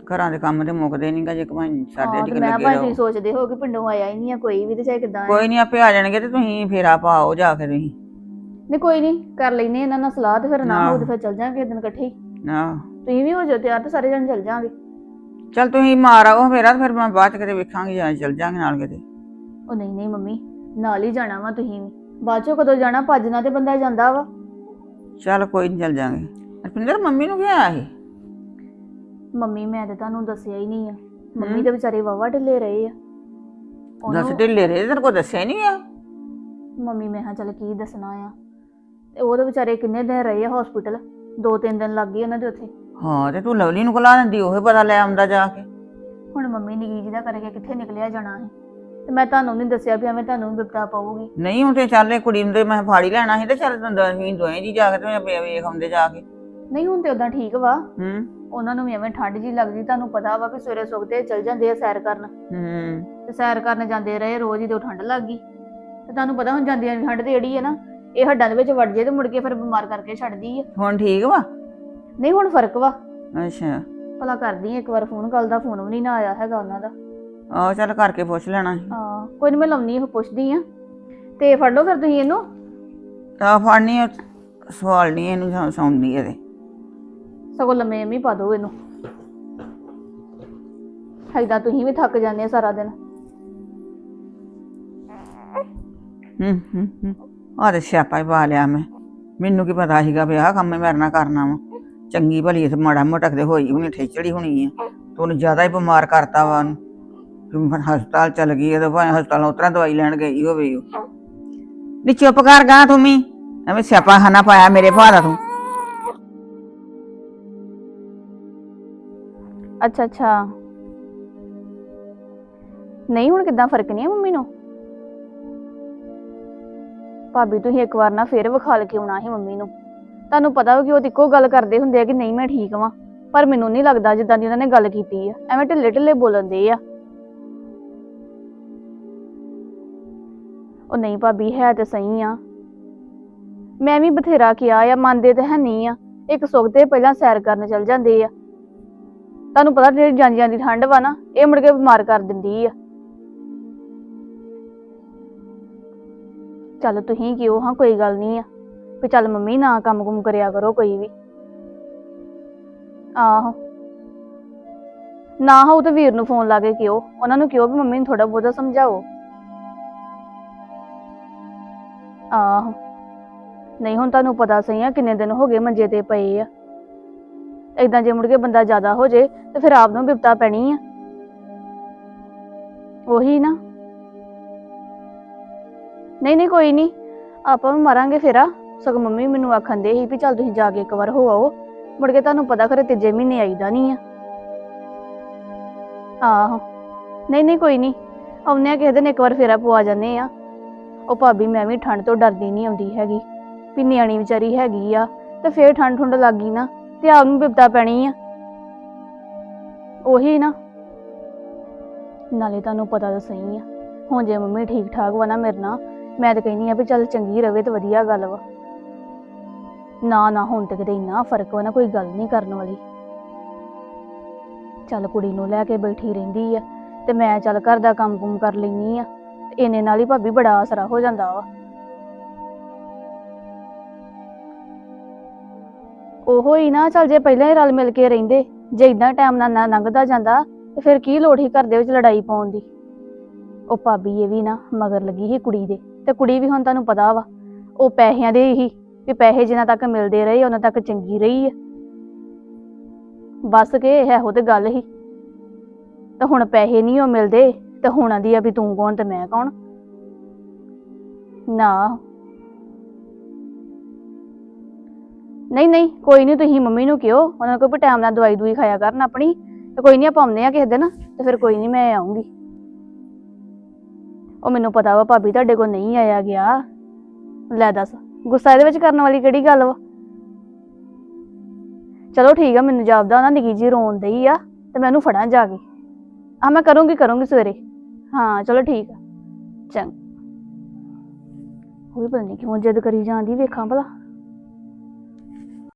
[SPEAKER 6] ਘਰਾਂ ਦੇ ਕੰਮ ਤੇ ਮੁੱਕਦੇ ਨਹੀਂਗਾ ਜੇ ਕਮਾਈ ਸਾਡੇ
[SPEAKER 4] ਹਾਂ
[SPEAKER 6] ਚ
[SPEAKER 4] ਤੇ ਮੈਂ
[SPEAKER 6] ਲੱਗੇ
[SPEAKER 4] ਭਾਈ
[SPEAKER 6] ਰਹੋ।
[SPEAKER 4] ਤੁਸੀਂ ਸੋਚਦੇ ਹੋ ਕਿ ਪਿੰਡੋਂ ਆਇਆ ਹੀ ਨਹੀਂ ਆ ਕੋਈ ਵੀ ਤੇ ਚਾਹੇ ਕਿਦਾਂ
[SPEAKER 6] ਕੋਈ ਨਹੀਂ ਆਪੇ ਆ ਜਾਣਗੇ ਤੇ ਤੁਸੀਂ ਫੇਰਾ ਪਾਓ ਜਾ ਕੇ ਤੁਸੀਂ।
[SPEAKER 4] ਨਹੀਂ ਕੋਈ ਨਹੀਂ ਕਰ ਲੈਨੇ ਇਹਨਾਂ ਨਾਲ ਸਲਾਹ ਤੇ ਫਿਰ ਨਾ
[SPEAKER 6] ਆਹੋ।
[SPEAKER 4] ਹੋਊ ਤੇ ਫਿਰ ਚੱਲ ਜਾਾਂਗੇ ਦਿਨ ਇਕੱਠੇ ਹੀ।
[SPEAKER 6] ਆਹ
[SPEAKER 4] ਤੁਸੀਂ ਵੀ ਹੋ ਜਾਓ ਤਿਆਰ ਤੇ ਸਾਰੇ ਜਣ ਚੱਲ ਜਾਾਂਗੇ।
[SPEAKER 6] ਚੱਲ ਤੁਸੀਂ ਮਾਰ ਆਓ ਫੇਰਾ ਤੇ ਫਿਰ ਮੈਂ ਬਾਅਦ ਚ ਕਿਤੇ ਵੇਖਾਂਗੇ ਜਾਂ ਚੱਲ ਜਾਾਂਗੇ ਨਾਲ ਕਿਤੇ।
[SPEAKER 4] ਉਹ ਨਹੀਂ ਨਹੀਂ ਮੰਮੀ ਨਾਲ ਹੀ ਜਾਣਾ ਵਾ ਤੁਸੀਂ ਵੀ ਬਾਅਦ ਚੋਂ ਕਦੋਂ ਜਾਣਾ ਭੱਜਣਾ ਤੇ ਬੰਦਾ ਜਾਂਦਾ ਵਾ।
[SPEAKER 6] ਚੱਲ ਕੋਈ ਨਹੀਂ ਚੱਲ ਜਾਾਂਗੇ। ਰਪਿੰਦਰ ਮੰਮੀ ਨੂੰ ਕੀ ਆਇਆ ਸੀ?
[SPEAKER 4] ਮੰਮੀ ਮੈਂ ਤੇ ਤੁਹਾਨੂੰ ਦੱਸਿਆ ਹੀ ਨਹੀਂ ਆ। ਮੰਮੀ ਤੇ ਵਿਚਾਰੇ ਵਾਵਾ ਢਿੱਲੇ ਰਹੇ ਆ।
[SPEAKER 6] ਦੱਸ ਢਿੱਲੇ ਰਹੇ ਤੇਰੇ ਕੋਲ ਦੱਸਿਆ ਨਹੀਂ ਆ?
[SPEAKER 4] ਮੰਮੀ ਮੈਂ ਹਾਂ ਚੱਲ ਕੀ ਦੱਸਣਾ ਆ ਤੇ ਉਹ ਤਾਂ ਵਿਚਾਰੇ ਕਿੰਨੇ ਦਿਨ ਰਹੇ ਆ ਹਸਪੀਟਲ। ਦੋ ਤਿੰਨ ਦਿਨ ਲੱਗ ਗਏ ਉਹਨਾਂ ਦੇ ਉੱਥੇ।
[SPEAKER 6] ਹਾਂ ਤੇ ਤੂੰ ਲਵਲੀ ਨੂੰ ਕੋਲਾ ਦਿੰਦੀ ਉਹ ਪਤਾ ਲੈ ਆਉਂਦਾ ਜਾ ਕੇ।
[SPEAKER 4] ਹੁਣ ਮੰਮੀ ਨਿੱਕੀ ਜੀ ਦਾ ਕਰਕੇ ਕਿੱਥੇ ਨਿਕਲਿਆ ਜਾਣਾ ਹੈ ਤੇ ਮੈਂ ਤੁਹਾਨੂੰ ਨਹੀਂ ਦੱਸਿਆ ਵੀ ਐਵੇਂ ਤੁਹਾਨੂੰ ਬਿਪਤਾ ਪਾਊਗੀ।
[SPEAKER 6] ਨਹੀਂ ਹੁਣ ਤੇ ਚੱਲ ਇਹ ਕੁੜੀ ਨੂੰ ਤੇ ਮੈਂ ਫਾੜੀ ਲੈਣਾ ਸੀ ਤੇ ਚੱਲ ਅਸੀਂ ਦੋਵੇਂ ਜੀ ਜਾ ਕੇ ਤੇ ਵੇਖ ਆਉਂਦੇ ਜਾ ਕੇ।
[SPEAKER 4] ਨਹੀਂ ਹੁਣ ਤੇ ਉਦਾਂ ਠੀਕ ਵਾ।
[SPEAKER 6] ਹੂੰ
[SPEAKER 4] ਉਹਨਾਂ ਨੂੰ ਵੀ ਐਵੇਂ ਠੰਡ ਜੀ ਲੱਗਦੀ ਤੁਹਾਨੂੰ ਪਤਾ ਵਾ ਵੀ ਸਵੇਰੇ ਸੁੱਕਦੇ ਚੱਲ ਜਾਂਦੇ ਆ ਸੈਰ ਕਰਨ
[SPEAKER 6] ਹੂੰ
[SPEAKER 4] ਤੇ ਸੈਰ ਕਰਨ ਜਾਂਦੇ ਰਹੇ ਰੋਜ਼ ਹੀ ਤੇ ਠੰਡ ਲੱਗ ਗਈ ਤੇ ਤੁਹਾਨੂੰ ਪਤਾ ਹੁਣ ਜਾਂਦੀਆਂ ਦੀ ਠੰਡ ਤੇ ਜਿਹੜੀ ਹੈ ਨਾ ਇਹ ਹੱਡਾਂ ਦੇ ਵਿੱਚ ਵੜ ਜੇ ਤੇ ਮੁੜ ਕੇ ਫਿਰ ਬਿਮਾਰ ਕਰਕੇ ਛੱਡਦੀ ਆ।
[SPEAKER 6] ਹੁਣ ਠੀਕ ਵਾ?
[SPEAKER 4] ਨਹੀਂ ਹੁਣ ਫਰਕ ਵਾ।
[SPEAKER 6] ਅੱਛਾ
[SPEAKER 4] ਭਲਾ ਕਰਦੀ ਆ ਇੱਕ ਵਾਰ ਫੋਨ, ਕੱਲ ਦਾ ਫੋਨ ਵੀ ਨਹੀਂ ਨਾ ਆਇਆ ਹੈਗਾ ਉਹਨਾਂ ਦਾ।
[SPEAKER 6] ਆਹੋ ਚੱਲ ਕਰਕੇ ਪੁੱਛ ਲੈਣਾ ਸੀ।
[SPEAKER 4] ਹਾਂ ਕੋਈ ਨੀ ਮੈਂ ਲਾਉਣੀ ਉਹ ਪੁੱਛਦੀ ਆ ਤੇ ਫੜ ਲਓ ਫਿਰ ਤੁਸੀਂ ਇਹਨੂੰ।
[SPEAKER 6] ਤਾਂ ਫੜਨੀ ਸਵਾਲ ਨਹੀਂ ਇਹਨੂੰ ਸੌਂਦੀ ਇਹਦੇ।
[SPEAKER 4] ਸਗੋਂ ਲੰਮੇ ਐਵੇਂ ਪਾ ਦਿਓ ਇਹਨੂੰ। ਏਦਾਂ ਤੁਸੀਂ ਵੀ ਥੱਕ ਜਾਂਦੇ ਆ ਸਾਰਾ ਦਿਨ।
[SPEAKER 6] ਹੂੰ ਹੂੰ ਹੂੰ ਆਹ ਤੇ ਸਿਆਪਾ ਹੀ ਪਾ ਲਿਆ ਮੈਂ। ਮੈਨੂੰ ਕੀ ਪਤਾ ਸੀਗਾ ਵੀ ਆਹ ਕੰਮ ਮੇਰੇ ਨਾਲ ਕਰਨਾ ਵਾ। ਚੰਗੀ ਭਲੀ ਤੇ ਮਾੜਾ ਮੋਟਾ ਕਿਤੇ ਹੋਈ ਹੋਣੀ ਠੇਚੜੀ ਹੋਣੀ ਆ ਤੇ ਉਹਨੂੰ ਜ਼ਿਆਦਾ ਹੀ ਬਿਮਾਰ ਕਰਤਾ ਵਾ ਉਹਨੂੰ। ਹਸਪਤਾਲ ਚਲ ਗਈ ਤੇ ਭਾਵੇਂ ਹਸਪਤਾਲ ਉਤਰਾ ਦਵਾਈ ਲੈਣ ਗਈ ਹੋਵੇ। ਉਹ ਨੀ ਚੁੱਪ ਕਰ ਗਾ ਤੂੰ ਵੀ ਐਵੇਂ ਸਿਆਪਾ ਖਾਨਾ ਪਾਇਆ ਮੇਰੇ ਭਾ ਦਾ ਤੂੰ।
[SPEAKER 4] ਅੱਛਾ ਅੱਛਾ ਨਹੀਂ ਹੁਣ ਕਿੱਦਾਂ ਫਰਕ ਨਹੀਂ ਆ ਮੰਮੀ ਨੂੰ? ਭਾਬੀ ਤੁਸੀਂ ਇੱਕ ਵਾਰ ਨਾ ਫੇਰ ਵਿਖਾਲ ਕੇ ਆਉਣਾ ਸੀ ਮੰਮੀ ਨੂੰ। ਤੁਹਾਨੂੰ ਪਤਾ ਵਾ ਕਿ ਉਹ ਇੱਕੋ ਗੱਲ ਕਰਦੇ ਹੁੰਦੇ ਆ ਕਿ ਨਹੀਂ ਮੈਂ ਠੀਕ ਵਾਂ, ਪਰ ਮੈਨੂੰ ਨਹੀਂ ਲੱਗਦਾ ਜਿੱਦਾਂ ਦੀ ਉਹਨਾਂ ਨੇ ਗੱਲ ਕੀਤੀ ਆ। ਐਵੇਂ ਢਿੱਲੇ ਢਿੱਲੇ ਬੋਲਣ ਦੇ ਆ। ਉਹ ਨਹੀਂ ਭਾਬੀ ਹੈ ਤੇ ਸਹੀ ਆ। ਮੈਂ ਵੀ ਬਥੇਰਾ ਕਿਹਾ ਆ, ਮੰਨਦੇ ਤੇ ਹੈ ਨਹੀਂ ਆ। ਇੱਕ ਸੁੱਕਦੇ ਪਹਿਲਾਂ ਸੈਰ ਕਰਨ ਚਲ ਜਾਂਦੇ ਆ। ਤੁਹਾਨੂੰ ਪਤਾ ਜਿਹੜੀ ਜਾਂਦੀਆਂ ਦੀ ਠੰਡ ਵਾ ਨਾ ਇਹ ਮੁੜ ਕੇ ਬਿਮਾਰ ਕਰ ਦਿੰਦੀ ਆ। ਚੱਲ ਤੁਸੀਂ ਕਿਉਂ ਹਾਂ ਕੋਈ ਗੱਲ ਨਹੀਂ ਆ ਵੀ ਚੱਲ ਮੰਮੀ ਨਾ ਕੰਮ ਕੁਮ ਕਰਿਆ ਕਰੋ ਕੋਈ ਵੀ। ਆਹੋ ਨਾ ਹੋ ਤੇ ਵੀਰ ਨੂੰ ਫੋਨ ਲਾ ਕੇ ਕਿਉਂ ਉਹਨਾਂ ਨੂੰ ਕਿਉਂ ਵੀ ਮੰਮੀ ਨੂੰ ਥੋੜਾ ਬਹੁਤਾ ਸਮਝਾਓ। ਆਹੋ ਨਹੀਂ ਹੁਣ ਤੁਹਾਨੂੰ ਪਤਾ ਸਹੀ ਆ ਕਿੰਨੇ ਦਿਨ ਹੋ ਗਏ ਮੰਜੇ ਤੇ ਪਏ ਆ। ਏਦਾਂ ਜੇ ਮੁੜ ਕੇ ਬੰਦਾ ਜ਼ਿਆਦਾ ਹੋ ਜੇ ਤੇ ਫਿਰ ਆਪ ਨੂੰ ਬਿਪਤਾ ਪੈਣੀ ਆ। ਉਹੀ ਨਾ। ਨਹੀਂ ਨਹੀਂ ਕੋਈ ਨਹੀਂ ਆਪਾਂ ਵੀ ਮਾਰਾਂਗੇ ਫੇਰਾ। ਸਗੋਂ ਮੰਮੀ ਮੈਨੂੰ ਆਖਣ ਦੇ ਸੀ ਵੀ ਚੱਲ ਤੁਸੀਂ ਜਾ ਕੇ ਇੱਕ ਵਾਰ ਹੋ ਆਓ। ਮੁੜ ਕੇ ਤੁਹਾਨੂੰ ਪਤਾ ਖਰੇ ਤੀਜੇ ਮਹੀਨੇ ਆਈਦਾ ਨਹੀਂ ਆ। ਆਹੋ ਨਹੀਂ ਨਹੀਂ ਕੋਈ ਨਹੀਂ ਆਉਂਦੇ ਆ ਕਿਸੇ ਦਿਨ ਇੱਕ ਵਾਰ ਫੇਰਾ ਪਵਾ ਜਾਂਦੇ ਆ। ਉਹ ਭਾਬੀ ਮੈਂ ਵੀ ਠੰਡ ਤੋਂ ਡਰਦੀ ਨਹੀਂ ਆਉਂਦੀ ਹੈਗੀ ਵੀ ਨਿਆਣੀ ਵਿਚਾਰੀ ਹੈਗੀ ਆ ਤੇ ਫੇਰ ਠੰਡ ਠੁੰਡ ਲੱਗ ਗਈ ਨਾ ਤੇ ਆਪ ਨੂੰ ਬਿਪਤਾ ਪੈਣੀ ਆ। ਉਹੀ ਨਾ ਨਾਲੇ ਤੁਹਾਨੂੰ ਪਤਾ ਤਾਂ ਸਹੀ ਆ ਹੁਣ ਜੇ ਮੰਮੀ ਠੀਕ ਠਾਕ ਵਾ ਨਾ ਮੇਰੇ ਨਾਲ ਮੈਂ ਤਾਂ ਕਹਿੰਦੀ ਆ ਵੀ ਚੱਲ ਚੰਗੀ ਰਵੇ ਤੇ ਵਧੀਆ ਗੱਲ ਵਾ। ਨਾ ਨਾ ਹੁਣ ਤੇ ਕਿਤੇ ਇੰਨਾ ਫਰਕ ਵਾ ਨਾ ਕੋਈ ਗੱਲ ਨਹੀਂ ਕਰਨ ਵਾਲੀ। ਚੱਲ ਕੁੜੀ ਨੂੰ ਲੈ ਕੇ ਬੈਠੀ ਰਹਿੰਦੀ ਆ ਤੇ ਮੈਂ ਚੱਲ ਘਰ ਦਾ ਕੰਮ ਕੁਮ ਕਰ ਲੈਂਦੀ ਆ ਤੇ ਇਹਨੇ ਨਾਲ ਹੀ ਭਾਬੀ ਬੜਾ ਆਸਰਾ ਹੋ ਜਾਂਦਾ ਵਾ। ਉਹੋ ਹੀ ਨਾ ਚੱਲ ਜੇ ਪਹਿਲਾਂ ਹੀ ਰਲ ਮਿਲ ਕੇ ਰਹਿੰਦੇ ਜੇ ਇਦਾਂ ਟਾਈਮ ਨਾਲ ਨਾ ਲੰਘਦਾ ਜਾਂਦਾ ਤੇ ਫਿਰ ਕੀ ਲੋੜ ਸੀ ਘਰ ਦੇ ਵਿੱਚ ਲੜਾਈ ਪਾਉਣ ਦੀ। ਉਹ ਭਾਬੀ ਇਹ ਵੀ ਨਾ ਮਗਰ ਲੱਗੀ ਸੀ ਕੁੜੀ ਦੇ ਤੇ ਕੁੜੀ ਵੀ ਹੁਣ ਤੁਹਾਨੂੰ ਪਤਾ ਵਾ ਉਹ ਪੈਸਿਆਂ ਦੇ ਹੀ ਵੀ ਪੈਸੇ ਜਿੰਨਾ ਤੱਕ ਮਿਲਦੇ ਰਹੇ ਉਹਨਾਂ ਤੱਕ ਚੰਗੀ ਰਹੀ ਆ। ਬਸ ਕੇ ਇਹੋ ਤੇ ਗੱਲ ਹੀ ਤੇ ਹੁਣ ਪੈਸੇ ਨਹੀਂ ਉਹ ਮਿਲਦੇ ਤੇ ਹੁਣ ਆਂਦੀ ਆ ਵੀ ਤੂੰ ਕੌਣ ਤੇ ਮੈਂ ਕੌਣ। ਨਾ ਨਹੀਂ ਨਹੀਂ ਕੋਈ ਨਹੀਂ ਤੁਸੀਂ ਮੰਮੀ ਨੂੰ ਕਿਹੋ ਉਹਨਾਂ ਕੋਲ ਵੀ ਟਾਈਮ ਨਾਲ ਦਵਾਈ ਦੂਈ ਖਾਇਆ ਕਰਨ ਆਪਣੀ ਤੇ ਕੋਈ ਨਹੀਂ ਆਪਾਂ ਆਉਂਦੇ ਆ ਕਿਸੇ ਦਿਨ ਤੇ ਫਿਰ ਕੋਈ ਨਹੀਂ ਮੈਂ ਆਉਂਗੀ। ਉਹ ਮੈਨੂੰ ਪਤਾ ਵਾ ਭਾਬੀ ਤੁਹਾਡੇ ਕੋਲ ਨਹੀਂ ਆਇਆ ਗਿਆ। ਲੈ ਦੱਸ ਗੁੱਸਾ ਇਹਦੇ ਵਿੱਚ ਕਰਨ ਵਾਲੀ ਕਿਹੜੀ ਗੱਲ ਵਾ। ਚਲੋ ਠੀਕ ਆ ਮੈਨੂੰ ਜਾਪਦਾ ਉਹਨਾਂ ਨਿੱਕੀ ਜੀ ਰੋਣ ਦਈ ਆ ਤੇ ਮੈਂ ਉਹਨੂੰ ਫੜਾਂ ਜਾ ਕੇ। ਆ ਮੈਂ ਕਰੂੰਗੀ ਕਰੂੰਗੀ ਸਵੇਰੇ। ਹਾਂ ਚਲੋ ਠੀਕ ਆ ਚੰਗਾ। ਉਹ ਵੀ ਪਤਾ ਨਹੀਂ ਕਿਉਂ ਜਿੱਦ ਕਰੀ ਜਾਂਦੀ ਵੇਖਾਂ ਭਲਾ।